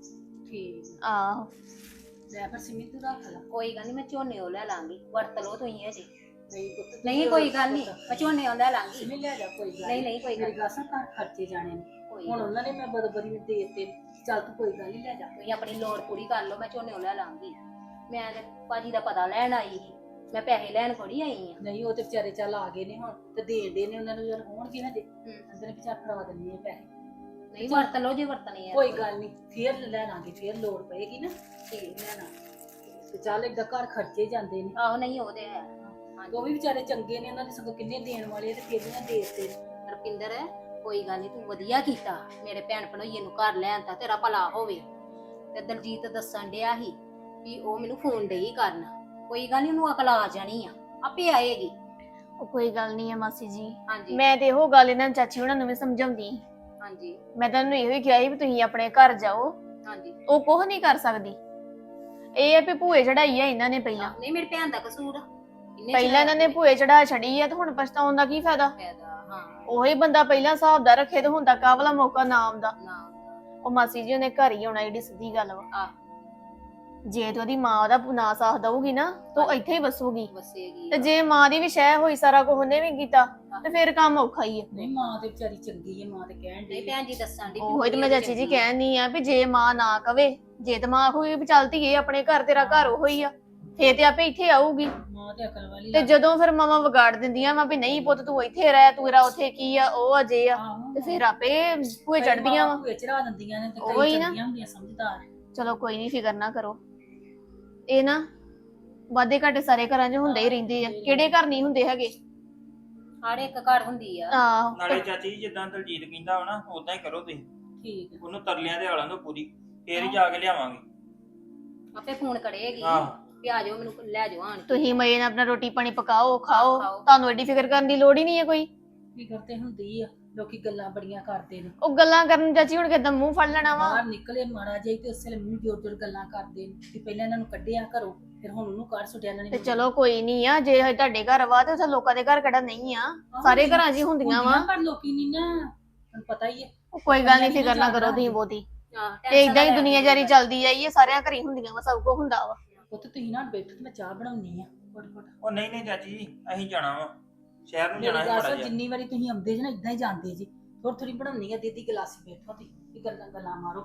Speaker 5: ਠੀਕ
Speaker 4: ਆਹੋ
Speaker 5: ਲੈ ਫਿਰ ਸਿਮੀ ਤੂੰ ਰੱਖ ਲੈ।
Speaker 1: ਕੋਈ ਗੱਲ ਨਹੀਂ, ਮੈਂ ਝੋਨੇ ਉਹ ਲੈ ਲਾਂਗੀ, ਵਰਤ ਲਓ ਤੁਸੀਂ ਇਹ ਜੀ।
Speaker 5: ਨਹੀਂ ਪੁੱਤ ਤੂੰ
Speaker 1: ਨਹੀਂ ਕੋਈ ਗੱਲ ਨਹੀਂ, ਮੈਂ ਝੋਨੇ ਉਹ ਲੈ ਲਾਂਗੀ।
Speaker 5: ਸਿਮੀ ਲੈ ਜਾ, ਕੋਈ ਗੱਲ
Speaker 1: ਨਹੀਂ ਨਹੀਂ ਕੋਈ ਗੱਲ
Speaker 5: ਮੇਰੀ ਗੱਲ ਸੁਣ, ਘਰ ਖਰਚੇ ਜਾਣੇ ਨੇ
Speaker 1: ਕੋਈ
Speaker 5: ਹੁਣ, ਉਹਨਾਂ ਨੇ ਮੈਂ ਬਦਬਰੀ ਨੂੰ ਦੇ ਦਿੱਤੇ। ਚੱਲ ਤੂੰ ਕੋਈ ਗੱਲ ਨਹੀਂ ਲੈ ਜਾ।
Speaker 1: ਤੁਸੀਂ ਆਪਣੀ ਲੋੜ ਪੂਰੀ ਕਰ ਲਓ, ਮੈਂ ਝੋਨੇ ਉਹ ਲੈ ਲਾਂਗੀ। ਮੈਂ ਤੇ ਭਾਜੀ ਦਾ ਪਤਾ ਲੈਣ ਆਈ ਸੀ, ਮੈਂ ਪੈਸੇ ਲੈਣ ਥੋੜੀ ਆਈ ਆ।
Speaker 5: ਨਹੀਂ ਉਹ ਤੇ ਵਿਚਾਰੇ ਚੱਲ ਆ ਗਏ ਨੇ ਹੁਣ, ਤੇ ਦੇਣ ਦੇ ਨੇ ਉਹਨਾਂ ਨੂੰ, ਜਦ ਹੋਣਗੇ ਹਜੇ
Speaker 1: ਹੂੰ।
Speaker 5: ਅੰਦਰ ਵਿਚਾਰ ਫੜਾ ਦਿੰਨੀ ਆ ਪੈਸੇ।
Speaker 1: ਨਹੀਂ ਵਰਤ ਲਓ ਜੇ ਵਰਤਣੇ ਆ।
Speaker 5: ਕੋਈ ਗੱਲ ਨਹੀਂ, ਫੇਰ ਲੈ ਲਾਂਗੇ, ਫੇਰ ਲੋੜ ਪਏਗੀ ਨਾ
Speaker 1: ਠੀਕ।
Speaker 5: ਲੈਣਾ। ਤੇ ਚੱਲ ਏਦਾਂ ਘਰ ਖਰਚੇ ਜਾਂਦੇ ਨੇ।
Speaker 1: ਆਹੋ ਨਹੀਂ ਉਹਦੇ ਹੈ।
Speaker 5: ਉਹ ਵੀ ਵਿਚਾਰੇ ਚੰਗੇ ਨੇ, ਉਹਨਾਂ ਦੇ ਸਗੋਂ ਕਿੰਨੇ ਦੇਣ ਵਾਲੇ ਤੇ ਫੇਰ ਇਹਨਾਂ ਦੇ ਦਿੱਤੇ।
Speaker 1: ਰਪਿੰਦਰ ਕੋਈ ਗੱਲ ਨਹੀਂ, ਤੂੰ ਵਧੀਆ ਕੀਤਾ ਮੇਰੇ ਭੈਣ ਭਣੋਈਏ ਨੂੰ ਘਰ ਲੈਣ ਤਾਂ, ਤੇਰਾ ਭਲਾ ਹੋਵੇ। ਤੇ ਦਲਜੀਤ ਦੱਸਣ ਡਿਆ ਸੀ ਵੀ ਉਹ ਮੈਨੂੰ ਫੋਨ ਡਈ ਕਰਨ, ਕੋਈ ਗੱਲ ਨਹੀਂ, ਉਹਨੂੰ ਅਕਲ ਆ ਜਾਣੀ ਆ, ਆਪੇ ਆਏਗੀ।
Speaker 4: ਉਹ ਕੋਈ ਗੱਲ ਨਹੀਂ ਆ ਮਾਸੀ ਜੀ,
Speaker 1: ਹਾਂਜੀ
Speaker 4: ਮੈਂ ਤੇ ਇਹੋ ਗੱਲ ਇਹਨਾਂ ਚਾਚੀ ਉਹਨਾਂ ਨੂੰ ਵੀ ਸਮਝਾਉਂਦੀ ਸੀ।
Speaker 1: ਹਾਂਜੀ
Speaker 4: ਮੈਂ ਤੁਹਾਨੂੰ ਇਹੋ ਹੀ ਕਿਹਾ ਸੀ ਵੀ ਤੁਸੀਂ ਆਪਣੇ ਘਰ ਜਾਓ,
Speaker 1: ਹਾਂਜੀ।
Speaker 4: ਉਹ ਕੁਝ ਨਹੀਂ ਕਰ ਸਕਦੀ। ਇਹ ਆ ਵੀ ਭੂਏ ਚੜਾਈ ਆ ਇਹਨਾਂ ਨੇ ਪਹਿਲਾਂ
Speaker 1: ਨਹੀਂ ਮੇਰੀ ਭੈਣ ਦਾ ਕਸੂਰ ਆ, ਇਹਨੇ
Speaker 4: ਪਹਿਲਾਂ ਇਹਨਾਂ ਨੇ ਭੂਏ ਚੜਾ ਛੜੀ ਆ, ਤੇ ਹੁਣ ਪਛਤਾਉਣ ਦਾ ਕੀ ਫਾਇਦਾ?
Speaker 1: ਫਾਇਦਾ। ਹਾਂ
Speaker 4: ਉਹੀ ਬੰਦਾ ਪਹਿਲਾਂ ਹਿਸਾਬ ਦਾ ਰੱਖੇ ਤੇ ਹੁੰਦਾ ਕਾਹਲਾ ਮੌਕਾ ਨਾ ਆਉਂਦਾ।
Speaker 1: ਨਾ
Speaker 4: ਉਹ ਮਾਸੀ ਜੀ ਉਹਨੇ ਘਰ ਹੀ ਆਉਣਾ, ਜਿਹੜੀ ਸਿੱਧੀ ਗੱਲ ਵਾ।
Speaker 1: ਆ
Speaker 4: ਜੇ ਤੇ ਉਹਦੀ ਮਾਂ ਉਹਦਾ ਨਾ ਸਾਥ ਦਊਗੀ ਨਾ, ਤਾਂ ਉਹ ਇੱਥੇ ਹੀ ਵਸੂਗੀ।
Speaker 1: ਵਸੇਗੀ।
Speaker 4: ਤੇ ਜੇ ਮਾਂ ਦੀ ਵੀ ਸ਼ਹਿ ਹੋਈ, ਸਾਰਾ ਕੁਝ ਉਹਨੇ ਵੀ ਕੀਤਾ, ਤੇ ਫਿਰ ਕੰਮ ਔਖਾ ਹੀ ਆ।
Speaker 5: ਨਹੀਂ ਮਾਂ ਤੇ ਵਿਚਾਰੀ ਚੰਗੀ ਹੈ, ਮਾਂ ਤੇ ਕਹਿਣ
Speaker 1: ਨਹੀਂ
Speaker 5: ਡਈ
Speaker 1: ਭੈਣ ਜੀ ਦੱਸਣ ਦੀ
Speaker 4: ਉਹੀ ਤੇ ਮੈਂ ਚਾਚੀ ਜੀ ਕਹਿਣੀ ਆ ਵੀ ਜੇ ਮਾਂ ਨਾ ਕਵੇ, ਜੇ ਤੇ ਮਾਂ ਹੋਈ ਵੀ ਚੱਲਦੀ ਏ ਆਪਣੇ ਘਰ, ਤੇਰਾ ਘਰ ਉਹੋ ਹੀ ਆ, ਫੇਰ ਤੇ ਆਪੇ ਇੱਥੇ ਆਊਗੀ।
Speaker 5: ਮਾਂ ਤੇ ਅਕਲ ਵਾਲੀ
Speaker 4: ਤੇ ਜਦੋਂ ਫਿਰ ਮਾਵਾਂ ਵਿਗਾੜ ਦਿੰਦੀਆਂ ਵਾ ਵੀ ਨਹੀਂ ਪੁੱਤ ਤੂੰ ਇੱਥੇ ਰਹਿ, ਤੂੰ ਰਾ ਉੱਥੇ ਕੀ ਆ, ਉਹ ਅਜੇ ਆ,
Speaker 5: ਆਹੋ।
Speaker 4: ਤੇ ਫਿਰ ਆਪੇ ਭੂਏ ਚੜਦੀਆਂ ਵਾ।
Speaker 5: ਭੂਏ ਚੜਾ ਦਿੰਦੀਆਂ ਨੇ, ਤੇ
Speaker 4: ਉਹੀ
Speaker 5: ਕਈ
Speaker 4: ਨਾ।
Speaker 5: ਚੰਗੀਆਂ ਹੁੰਦੀਆਂ ਸਮਝਦਾਰ।
Speaker 4: ਚਲੋ ਕੋਈ ਨਹੀਂ, ਫਿਕਰ ਨਾ ਕਰੋ। ਇਹ ਨਾ ਵਾਧੇ ਘਾਟੇ ਸਾਰੇ ਘਰਾਂ 'ਚ ਹੁੰਦੇ ਹੀ ਰਹਿੰਦੇ ਆ, ਕਿਹੜੇ ਘਰ ਨਹੀਂ ਹੁੰਦੇ ਹੈਗੇ।
Speaker 1: ਹਰ ਇੱਕ ਘਰ ਹੁੰਦੀ ਆ।
Speaker 4: ਆਹੋ
Speaker 6: ਨਾਲੇ ਚਾਚੀ ਜੀ ਜਿੱਦਾਂ ਦਲਜੀਤ ਕਹਿੰਦਾ ਵਾ ਨਾ ਉਦਾਂ ਹੀ ਕਰੋ ਤੁਸੀਂ,
Speaker 5: ਠੀਕ ਹੈ।
Speaker 6: ਉਹਨੂੰ ਤਰਲਿਆਂ ਦੇ ਆਲਾਂ ਤੋਂ ਪੂਰੀ, ਫੇਰ ਹੀ ਜਾ ਕੇ ਲਿਆਵਾਂਗੇ।
Speaker 1: ਆਪੇ ਫੋਨ ਕਰੇਗੀ
Speaker 6: ਆਹ
Speaker 1: ਵੀ ਆ ਜਾਓ, ਮੈਨੂੰ ਲੈ ਜਾਓ ਆਣ ਕੇ।
Speaker 4: ਤੁਸੀਂ ਮਜ਼ੇ ਨਾਲ ਆਪਣਾ ਰੋਟੀ ਪਾਣੀ ਪਕਾਓ, ਖਾਓ,
Speaker 1: ਖਾਓ।
Speaker 4: ਤੁਹਾਨੂੰ ਐਡੀ ਫਿਕਰ ਕਰਨ ਦੀ ਲੋੜ ਹੀ ਨਹੀਂ ਹੈ ਕੋਈ।
Speaker 5: ਫਿਕਰ ਤੇ ਹੁੰਦੀ ਆ, ਲੋਕੀ ਗੱਲਾਂ ਬੜੀਆਂ ਕਰਦੇ ਨੇ।
Speaker 4: ਉਹ ਗੱਲਾਂ ਕਰਨ ਚਾਚੀ ਹੁਣ ਕਿਦਾਂ ਮੂੰਹ ਫੜ ਲੈਣਾ ਵਾ।
Speaker 5: ਬਾਹਰ ਨਿਕਲੇ ਮਾੜਾ ਜਿਹਾ ਤੇ ਉਸੇ ਵੇਲੇ ਮੂੰਹ ਜੋਰ ਜੋਰ ਗੱਲਾਂ ਕਰਦੇ ਨੇ ਕਿ ਪਹਿਲਾਂ ਇਹਨਾਂ ਨੂੰ ਕੱਢਿਆ ਘਰੋਂ, ਫਿਰ ਹੁਣ ਉਹਨੂੰ ਕੱਢ ਸੁੱਟਿਆ ਇਹਨਾਂ ਨੇ।
Speaker 4: ਤੇ ਚਲੋ ਕੋਈ ਨਹੀਂ ਆ, ਜੇ ਤੁਹਾਡੇ ਘਰ ਵਾ ਤੇ ਉੱਥੇ ਲੋਕਾਂ ਦੇ ਘਰ ਕਿਹੜਾ ਨਹੀਂ ਆ, ਸਾਰੇ ਘਰਾਂ 'ਚ ਹੀ ਹੁੰਦੀਆਂ ਵਾ।
Speaker 5: ਪਰ ਲੋਕੀ ਨਹੀਂ ਨਾ, ਤੁਹਾਨੂੰ ਪਤਾ ਹੀ ਹੈ।
Speaker 4: ਉਹ ਕੋਈ ਗੱਲ ਨਹੀਂ, ਫਿਕਰ ਨਾ ਕਰੋ ਤੁਸੀਂ ਬਹੁਤੀ।
Speaker 1: ਆਹ,
Speaker 4: ਤੇ
Speaker 1: tension
Speaker 4: ਇਦਾਂ ਹੀ
Speaker 1: ਨਾ ਲੈ।
Speaker 4: ਦੁਨੀਆਦਾਰੀ ਚੱਲਦੀ ਆਈ ਹੈ, ਸਾਰਿਆਂ ਘਰ ਹੀ ਹੁੰਦੀਆਂ ਵਾ, ਸਭ ਕੁਝ ਹੁੰਦਾ ਵਾ।
Speaker 5: ਉੱਥੇ ਤੁਸੀਂ ਨਾ ਬੈਠੋ ਤੇ ਮੈਂ ਚਾਹ ਬਣਾਉਣੀ ਆ ਫਟ ਫਟ।
Speaker 6: ਉਹ ਨਹੀਂ ਨਹੀਂ ਚਾਚੀ ਜੀ ਅਸੀਂ ਜਾਣਾ ਵਾ ਸ਼ਹਿਰ ਨੂੰ, ਜਾਣਾ
Speaker 5: ਮੇਰੀ
Speaker 6: ਹੈ
Speaker 5: ਗੱਲ
Speaker 6: ਬੜਾ
Speaker 5: ਸੁਣ,
Speaker 6: ਜਿਹਾ।
Speaker 5: ਜਿੰਨੀ ਵਾਰੀ ਤੁਸੀਂ ਆਉਂਦੇ ਜੀ ਨਾ ਇਦਾਂ ਹੀ ਜਾਂਦੇ ਜੀ, ਥੋੜੀ ਥੋੜੀ ਬਣਾਉਣੀ ਆ, ਦੀਦੀ ਗਲਾਸੀ ਬੈਠੋ ਤੇ ਗੱਲਾਂ ਗੱਲਾਂ ਮਾਰੋ।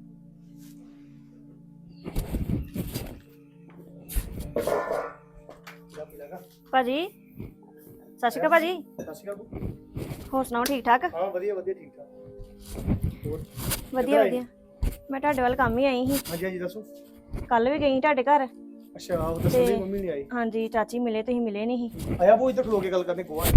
Speaker 2: ਭਾਜੀ ਸਤਿ ਸ਼੍ਰੀ ਅਕਾਲ ਭਾਜੀ।
Speaker 3: ਸਤਿ ਸ਼੍ਰੀ ਅਕਾਲ।
Speaker 2: ਹੋਰ ਸੁਣਾਓ, ਠੀਕ ਠਾਕ?
Speaker 3: ਹਾਂ ਵਧੀਆ ਵਧੀਆ ਠੀਕ ਠਾਕ। ਹੋਰ
Speaker 2: ਵਧੀਆ
Speaker 3: ਕਿੱਧਰ ਆਏ?
Speaker 2: ਵਧੀਆ। ਮੈਂ ਤੁਹਾਡੇ ਵੱਲ ਕੰਮ ਹੀ ਆਈ ਸੀ।
Speaker 3: ਹਾਂਜੀ ਹਾਂਜੀ ਦੱਸੋ।
Speaker 2: ਕੱਲ ਵੀ ਗਈ ਸੀ ਤੁਹਾਡੇ ਘਰ।
Speaker 3: ਅੱਛਾ ਉਹ ਦੱਸੋ
Speaker 2: ਤੇ-
Speaker 3: ਦੀ ਮੰਮੀ ਨਹੀਂ ਆਈ।
Speaker 2: ਹਾਂਜੀ ਚਾਚੀ ਮਿਲੇ, ਤੁਸੀਂ ਮਿਲੇ ਨਹੀਂ ਸੀ।
Speaker 3: ਆਇਆ ਉਹ ਇੱਧਰ ਖਲੋ ਕੇ ਗੱਲ ਕਰਨੀ ਕੋਆ।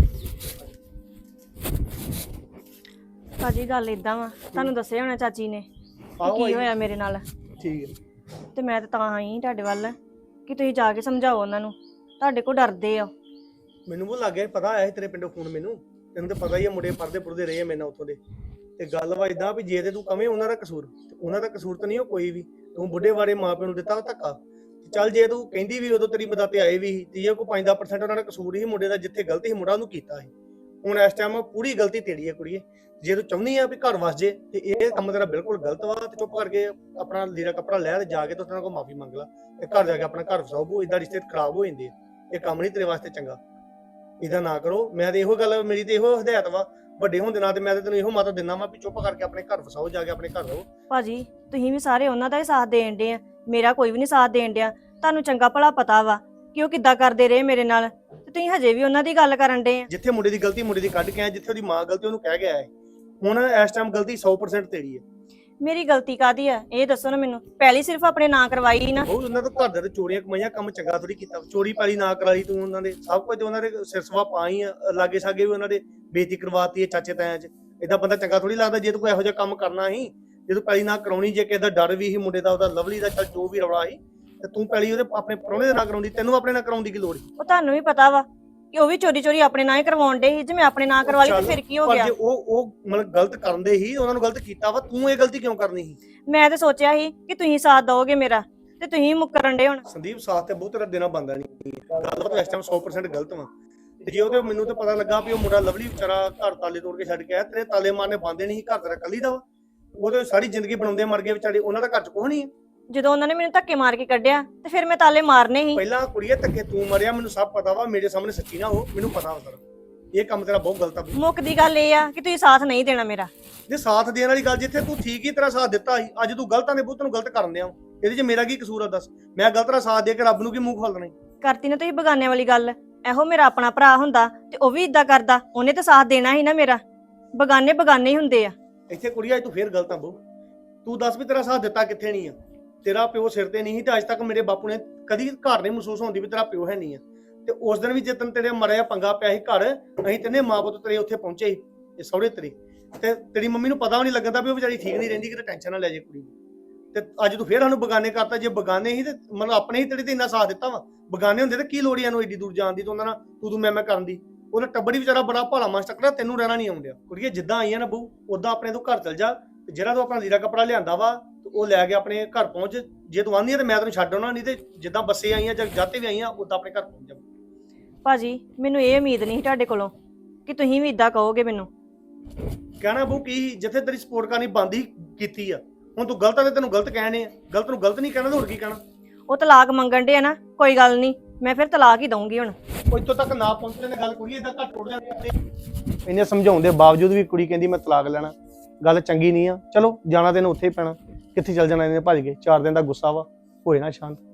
Speaker 2: ਭਾਜੀ ਗੱਲ ਇਦਾਂ ਵਾ, ਤੁਹਾਨੂੰ ਦੱਸਿਆ ਹੋਣਾ ਚਾਚੀ ਨੇ ਕਿ
Speaker 3: ਆਹੋ
Speaker 2: ਕੀ
Speaker 3: ਆਈ।
Speaker 2: ਹੋਇਆ ਮੇਰੇ ਨਾਲ।
Speaker 3: ਠੀਕ ਹੈ।
Speaker 2: ਤੇ ਮੈਂ ਤਾਂ ਤਾਂ ਆਈ ਤੁਹਾਡੇ ਵੱਲ ਕਿ ਤੁਸੀਂ ਜਾ ਕੇ ਸਮਝਾਓ ਉਹਨਾਂ ਨੂੰ, ਤੁਹਾਡੇ ਕੋਲ ਡਰਦੇ ਆ।
Speaker 3: ਮੈਨੂੰ ਉਹ ਲੱਗ ਗਿਆ ਪਤਾ ਆਇਆ ਸੀ ਤੇਰੇ ਪਿੰਡੋਂ ਫੋਨ ਮੈਨੂੰ। ਤੈਨੂੰ ਤਾਂ ਪਤਾ ਹੀ ਆ ਮੁੰਡੇ ਪੜਦੇ ਪੁਰਦੇ ਰਹੇ ਆ ਮੇਰੇ ਨਾਲ ਉੱਥੋਂ ਦੇ। ਤੇ ਗੱਲ ਵਾ ਇਦਾਂ ਵੀ ਜੇ ਤੇ ਤੂੰ ਕਵੇਂ ਉਹਨਾਂ ਦਾ ਕਸੂਰ, ਤੇ ਉਹਨਾਂ ਦਾ ਕਸੂਰ ਤਾਂ ਨਹੀਂ ਉਹ ਕੋਈ ਵੀ। ਤੂੰ ਬੁੱਢੇ ਵਾਰੇ ਮਾਪਿਆਂ ਨੂੰ ਦਿੱਤਾ ਧੱਕਾ। ਚੱਲ ਜੇ ਤੂੰ ਕਹਿੰਦੀ ਵੀ ਉਦੋਂ ਤੇਰੀ ਮਦਦ ਤੇ ਆਏ ਵੀ ਸੀ, ਤੇ ਜੇ ਕੋਈ ਪੰਜ ਦਸ ਪਰਸੈਂਟ ਉਹਨਾਂ ਦਾ ਕਸੂਰ ਹੀ ਮੁੰਡੇ ਦਾ, ਜਿੱਥੇ ਗਲਤੀ ਸੀ ਮੁੰਡਾ ਉਹਨੂੰ ਕੀਤਾ ਸੀ। ਹੁਣ ਇਸ ਟਾਈਮ ਪੂਰੀ ਗਲਤੀ ਤੇਰੀ ਹੈ ਕੁੜੀਏ। ਜੇ ਤੂੰ ਚਾਹੁੰਦੀ ਆ ਵੀ ਘਰ ਵਸ ਜੇ ਤੇ ਇਹ ਕੰਮ ਤੇਰਾ ਬਿਲਕੁਲ ਗਲਤ ਵਾ। ਤੇ ਚੁੱਪ ਕਰਕੇ ਆਪਣਾ ਲੀੜਾ ਕੱਪੜਾ ਲੈ ਤੇ ਜਾ ਕੇ ਤੇ ਉਹਨਾਂ ਕੋਲ ਮਾਫੀ ਮੰਗ ਲੈ ਤੇ ਘਰ ਜਾ ਕੇ ਆਪਣਾ ਘਰ ਵਸਾਓ। ਇਦਾਂ ਰਿਸ਼ਤੇ ਖਰਾਬ ਹੋ ਜਾਂਦੇ ਆ। ਇਹ ਕੰਮ ਨਹੀਂ ਤੇਰੇ ਵਾਸਤੇ ਚੰਗਾ। ਇਹਦਾ ਨਾ ਕਰੋ। ਮੈਂ ਤੇ ਇਹੋ ਗੱਲ, ਮੇਰੀ ਤੇ ਇਹੋ ਹਦਾਇਤ ਵਾ ਵੱਡੇ ਹੋਣ ਦੇ ਨਾਲ, ਤੇ ਮੈਂ ਤੇ ਤੈਨੂੰ ਇਹੋ ਮਤ ਦਿੰਦਾ ਵਾ ਵੀ ਚੁੱਪ ਕਰਕੇ ਆਪਣੇ ਘਰ ਵਸਾਓ, ਜਾ ਕੇ ਆਪਣੇ ਘਰ ਰਹੋ।
Speaker 2: ਭਾਜੀ ਤੁਸੀਂ ਵੀ ਸਾਰੇ ਉਹਨਾਂ ਦਾ ਹੀ ਸਾਥ ਦੇਣ ਡੇ ਆ, ਮੇਰਾ ਕੋਈ ਵੀ ਨਹੀਂ ਸਾਥ ਦੇਣ ਡਿਆ। ਤੁਹਾਨੂੰ ਚੰਗਾ ਭਲਾ ਪਤਾ ਵਾ ਕਿ ਉਹ ਕਿੱਦਾਂ ਕਰਦੇ ਰਹੇ ਮੇਰੇ ਨਾਲ, ਤੇ ਤੁਸੀਂ ਹਜੇ ਵੀ ਉਹਨਾਂ ਦੀ ਗੱਲ ਕਰਨ ਡੇ ਆ।
Speaker 3: ਜਿੱਥੇ ਮੁੰਡੇ ਦੀ ਗਲਤੀ ਮੁੰਡੇ ਦੀ ਕੱਢ ਕੇ ਆਇਆ, ਜਿੱਥੇ ਉਹਦੀ ਮਾਂ ਗਲਤੀ ਉਹਨੂੰ ਕਹਿ ਗਿਆ ਹੈ। ਹੁਣ ਇਸ ਟਾਈਮ ਗਲਤੀ ਸੌ ਪਰਸੈਂਟ ਤੇਰੀ ਹੈ।
Speaker 2: ਮੇਰੀ ਗਲਤੀ ਕਾਦੀ ਆ ਇਹ ਦੱਸੋ ਨਾ ਮੈਨੂੰ। ਪਹਿਲੀ ਸਿਰਫ ਆਪਣੇ ਨਾਂ ਕਰਵਾਈ ਨਾ।
Speaker 3: ਉਹ ਉਹਨਾਂ ਤੋਂ ਘਰ ਦੇ ਤੇ ਚੋਰੀਆਂ ਕਮਾਈਆਂ, ਕੰਮ ਚੰਗਾ ਥੋੜੀ ਕੀਤਾ। ਚੋਰੀ ਪਾਲੀ ਨਾ ਕਰਾਈ ਤੂੰ ਉਹਨਾਂ ਦੇ, ਸਭ ਕੁਝ ਉਹਨਾਂ ਦੇ ਸਿਰਸਵਾ ਪਾਈ ਆ। ਲਾਗੇ ਸਾਗੇ ਵੀ ਉਹਨਾਂ ਦੇ ਬੇਇੱਜ਼ਤੀ ਕਰਵਾਤੀ ਹੈ ਚਾਚੇ ਤਾਇਆਂ 'ਚ। ਏਦਾਂ ਬੰਦਾ ਚੰਗਾ ਥੋੜੀ ਲੱਗਦਾ। ਜੇ ਤੂੰ ਕੋਈ ਇਹੋ ਜਿਹਾ ਕੰਮ ਕਰਨਾ ਸੀ, ਜੇ ਤੂੰ ਪੈਲੀ ਨਾ ਕਰਾਉਣੀ, ਜੇ ਕਿਸੇ ਦਾ ਡਰ ਵੀ ਸੀ ਮੁੰਡੇ ਦਾ, ਉਹਦਾ ਲਵਲੀ ਦਾ, ਚੱਲ ਜੋ ਵੀ ਰੌਲਾ ਸੀ, ਤੇ ਤੂੰ ਪੈਲੀ ਉਹਦੇ ਆਪਣੇ ਪ੍ਰਾਹੁਣੇ ਦੇ ਨਾਲ ਕਰਾਉਂਦੀ, ਤੈਨੂੰ ਆਪਣੇ ਨਾਲ ਕਰਾਉਣ ਦੀ ਕੀ ਲੋੜ ਸੀ?
Speaker 2: ਉਹ ਤੁਹਾਨੂੰ ਵੀ ਪਤਾ ਵਾ ਕਿ ਉਹ ਵੀ ਚੋਰੀ ਚੋਰੀ ਆਪਣੇ ਨਾਂ ਹੀ ਕਰਵਾਉਣ ਡੇ ਸੀ। ਜੇ ਮੈਂ ਆਪਣੇ ਨਾਂ ਕਰਵਾ ਲਈ ਤੇ ਫਿਰ ਕੀ ਹੋ
Speaker 3: ਪਰ
Speaker 2: ਗਿਆ?
Speaker 3: ਜੇ ਉਹ ਉਹ ਮਤਲਬ ਗਲਤ ਕਰਦੇ ਹੀ, ਉਹਨਾਂ ਨੂੰ ਗਲਤ ਕੀਤਾ ਵਾ, ਤੂੰ ਇਹ ਗਲਤੀ ਕਿਉਂ ਕਰਨੀ ਸੀ?
Speaker 2: ਮੈਂ ਤਾਂ ਸੋਚਿਆ ਸੀ ਕਿ ਤੁਸੀਂ ਸਾਥ ਦਿਓਗੇ ਮੇਰਾ, ਤੇ ਤੁਸੀਂ ਮੁੱਕਰਨ ਡੇ ਹੁਣ।
Speaker 3: ਸੰਦੀਪ ਸਾਥ ਤੇ ਬਹੁਤ ਤੇਰਾ ਦੇਣਾ ਬੰਦਾ ਨਹੀਂ। ਗੱਲ ਤਾਂ ਇਸ ਟਾਈਮ ਸੌ ਪਰਸੈਂਟ ਗਲਤ ਵਾ। ਤੇ ਜੇ ਉਹਦੇ ਮੈਨੂੰ ਤਾਂ ਪਤਾ ਲੱਗਾ ਵੀ ਉਹ ਮੁੰਡਾ ਲਵਲੀ ਵਿਚਾਰਾ ਘਰ ਤਾਲੇ ਤੋੜ ਕੇ ਛੱਡ ਕੇ ਆਇਆ, ਤੇਰੇ ਤਾਲੇ ਮਾਰਨੇ ਬੰਦੇ ਨਹੀਂ ਸੀ, ਘਰ ਤੇਰਾ ਕੱਲੀ ਦਾ ਵਾ। ਉਹਦੇ ਸਾਰੀ ਜ਼ਿੰਦਗੀ ਬਣਾਉਂਦੇ ਮਰ ਗਏ ਵਿਚਾਰੇ, ਉਹਨਾਂ ਦਾ ਘਰ ਚ ਕੁਛ ਨਹੀਂ ਹੈ।
Speaker 2: ਜਦੋਂ ਉਹਨਾਂ ਨੇ ਮੈਨੂੰ ਧੱਕੇ ਮਾਰ ਕੇ ਕੱਢਿਆ ਤੇ ਫਿਰ ਮੈਂ ਤਾਲੇ ਮਾਰਨੇ ਸੀ।
Speaker 3: ਪਹਿਲਾਂ ਕੁੜੀਏ ਧੱਕੇ ਤੂੰ ਮਰਿਆ, ਮੈਨੂੰ ਸਭ ਪਤਾ ਵਾ। ਮੇਰੇ ਸਾਹਮਣੇ ਸੱਚੀ ਨਾ ਹੋ, ਮੈਨੂੰ ਪਤਾ ਵਾ ਸਾਰਾ। ਇਹ ਕੰਮ ਤੇਰਾ ਬਹੁਤ ਗਲਤ ਆ ਬਈ।
Speaker 2: ਮੁੱਕ ਦੀ ਗੱਲ ਇਹ ਆ ਕਿ ਤੁਸੀਂ ਸਾਥ ਨਹੀਂ ਦੇਣਾ ਮੇਰਾ।
Speaker 3: ਜੇ ਸਾਥ ਦੇਣ ਵਾਲੀ ਗੱਲ, ਜਿੱਥੇ ਤੂੰ ਠੀਕ ਹੀ ਤੇਰਾ ਸਾਥ ਦਿੱਤਾ ਸੀ, ਅੱਜ ਤੂੰ ਗਲਤਾਂ ਦੇ ਬੁੱਤ ਨੂੰ ਗਲਤ ਕਰਨ ਦਿਆਂ। ਇਹਦੇ 'ਚ ਮੇਰਾ ਕੀ ਕਸੂਰ ਆ ਦੱਸ? ਮੈਂ ਗਲਤ ਦਾ ਸਾਥ ਦੇ ਕੇ ਰੱਬ ਨੂੰ ਕੀ ਮੂੰਹ ਖੋਲਣਾ?
Speaker 2: ਕਰਤੀ ਨਾ ਤੁਸੀਂ ਬਗਾਨੇ ਵਾਲੀ ਗੱਲ। ਇਹੋ ਮੇਰਾ ਆਪਣਾ ਭਰਾ ਹੁੰਦਾ ਤੇ ਉਹ ਵੀ ਇਦਾਂ ਕਰਦਾ, ਉਹਨੇ ਤਾਂ ਸਾਥ ਦੇਣਾ ਸੀ ਨਾ ਮੇਰਾ। ਬਗਾਨੇ ਬਗਾਨੇ ਹੀ ਹੁੰਦੇ ਆ।
Speaker 3: ਇੱਥੇ ਕੁੜੀਆ ਤੂੰ ਫੇਰ ਗਲਤ ਆ ਬਹੁ। ਤੂੰ ਦੱਸ ਵੀ ਤੇਰਾ ਸਾਥ ਦਿੱਤਾ ਕਿੱਥੇ ਨਹੀਂ ਆ? ਤੇਰਾ ਪਿਓ ਸਿਰ ਤੇ ਨਹੀਂ ਸੀ, ਤੇ ਅੱਜ ਤੱਕ ਮੇਰੇ ਬਾਪੂ ਨੇ ਕਦੀ ਘਰ ਨਹੀਂ ਮਹਿਸੂਸ ਹੁੰਦੀ ਵੀ ਤੇਰਾ ਪਿਓ ਹੈ ਨਹੀਂ ਆ। ਤੇ ਉਸ ਦਿਨ ਵੀ ਜਿੱਦਣ ਤੇਰੇ ਮਰਿਆ ਪੰਗਾ ਪਿਆ ਸੀ ਘਰ, ਅਸੀਂ ਤਿੰਨੇ ਮਾਂ ਪੁੱਤ ਤੇਰੇ ਉੱਥੇ ਪਹੁੰਚੇ ਸੀ, ਇਹ ਸਹੁਰੇ ਤੇਰੇ। ਤੇ ਤੇਰੀ ਮੰਮੀ ਨੂੰ ਪਤਾ ਵੀ ਨਹੀਂ ਲੱਗਦਾ ਵੀ ਉਹ ਵਿਚਾਰੀ ਠੀਕ ਨਹੀਂ ਰਹਿੰਦੀ, ਕਿਤੇ ਟੈਨਸ਼ਨ ਨਾ ਲੈ ਜੇ ਕੁੜੀ ਨੂੰ। ਤੇ ਅੱਜ ਤੂੰ ਫੇਰ ਸਾਨੂੰ ਬਗਾਨੇ ਕਰਤਾ। ਜੇ ਬਗਾਨੇ ਹੀ ਤੇ ਮਤਲਬ ਆਪਣੇ ਹੀ ਤੇਰੇ ਤੇ ਇੰਨਾ ਸਾਥ ਦਿੱਤਾ ਵਾ। ਬਗਾਨੇ ਹੁੰਦੇ ਤੇ ਕੀ ਲੋੜ ਇਹਨੂੰ ਏਡੀ ਦੂਰ ਜਾਣ ਦੀ, ਤੇ ਉਹਨਾਂ ਨਾਲ ਤੂੰ ਤੂੰ ਮੈਂ ਮੈਂ ਕਰਨ ਦੀ। ਉਹਦਾ ਟੱਬਰ ਹੀ ਵਿਚਾਰਾ ਬੜਾ ਭਾਲਾ ਮਾਸ ਟੱਕਰਾ, ਤੈਨੂੰ ਰਹਿਣਾ ਨਹੀਂ ਆਉਂਦਿਆ। ਕੁੜੀਏ ਜਿੱਦਾਂ ਆਈਆਂ ਨਾ ਬਹੂ, ਉਦਾਂ ਆਪਣੇ ਤੋਂ ਘਰ ਚਲ ਜਾ। ਤੇ ਜਿਹੜਾ ਤੂੰ ਆਪਣਾ ਲੀੜਾ ਕੱਪੜਾ ਲਿਆਂਦਾ ਵਾ, ਉਹ ਲੈ ਕੇ ਆਪਣੇ ਘਰ ਪਹੁੰਚ। ਜੇ ਤੂੰ ਆਂਦੀ ਆ ਤੇ ਮੈਂ ਤੈਨੂੰ ਛੱਡ ਆਉਣਾ, ਨਹੀਂ ਤੇ ਜਿੱਦਾਂ ਬੱਸੇ ਆਈਆਂ ਜਾਂ ਜਾਤੇ ਵੀ ਆਈਆਂ, ਉਦਾਂ ਆਪਣੇ ਘਰ ਪਹੁੰਚ ਜਾ।
Speaker 2: ਭਾਜੀ ਮੈਨੂੰ ਇਹ ਉਮੀਦ ਨਹੀਂ ਸੀ ਤੁਹਾਡੇ ਕੋਲੋਂ ਕਿ ਤੁਸੀਂ ਵੀ ਇਦਾਂ ਕਹੋਗੇ ਮੈਨੂੰ।
Speaker 3: ਕਹਿਣਾ ਬਹੂ ਕੀ, ਜਿੱਥੇ ਤੇਰੀ ਸਪੋਰਟ ਕਰਨੀ ਬੰਦ ਹੀ ਕੀਤੀ ਆ, ਹੁਣ ਤੂੰ ਗਲਤ ਆ ਤੇ ਤੈਨੂੰ ਗਲਤ ਕਹਿਣੇ ਆ। ਗਲਤ ਨੂੰ ਗਲਤ ਨਹੀਂ ਕਹਿਣਾ ਤੇ ਹੋਰ ਕੀ ਕਹਿਣਾ?
Speaker 2: ਉਹ ਤਲਾਕ ਮੰਗਣ ਡੇ ਆ ਨਾ, ਕੋਈ ਗੱਲ ਨਹੀਂ, ਮੈਂ ਫਿਰ ਤਲਾਕ ਹੀ ਦਊਂਗੀ ਹੁਣ।
Speaker 3: ਉਹ ਇੱਥੋਂ ਤੱਕ ਨਾ ਪਹੁੰਚਣ ਦੀ ਗੱਲ ਕੁੜੀ ਇਦਾਂ ਘੱਟ ਟੁੱਟ ਜਾਂਦੀ। ਇਹਨੇ ਸਮਝਾਉਣ ਦੇ ਬਾਵਜੂਦ ਵੀ ਕੁੜੀ ਕਹਿੰਦੀ ਮੈਂ ਤਲਾਕ ਲੈਣਾ। ਗੱਲ ਚੰਗੀ ਨਹੀਂ ਆ। ਚਲੋ ਜਾਣਾ ਤੈਨੂੰ ਉੱਥੇ ਹੀ ਪੈਣਾ। ਕਿੱਥੇ ਚੱਲ ਜਾਣਾ ਇਹਨੇ ਭੱਜ ਕੇ? ਚਾਰ ਦਿਨ ਦਾ ਗੁੱਸਾ ਵਾ, ਹੋਏ ਨਾ ਸ਼ਾਂਤ।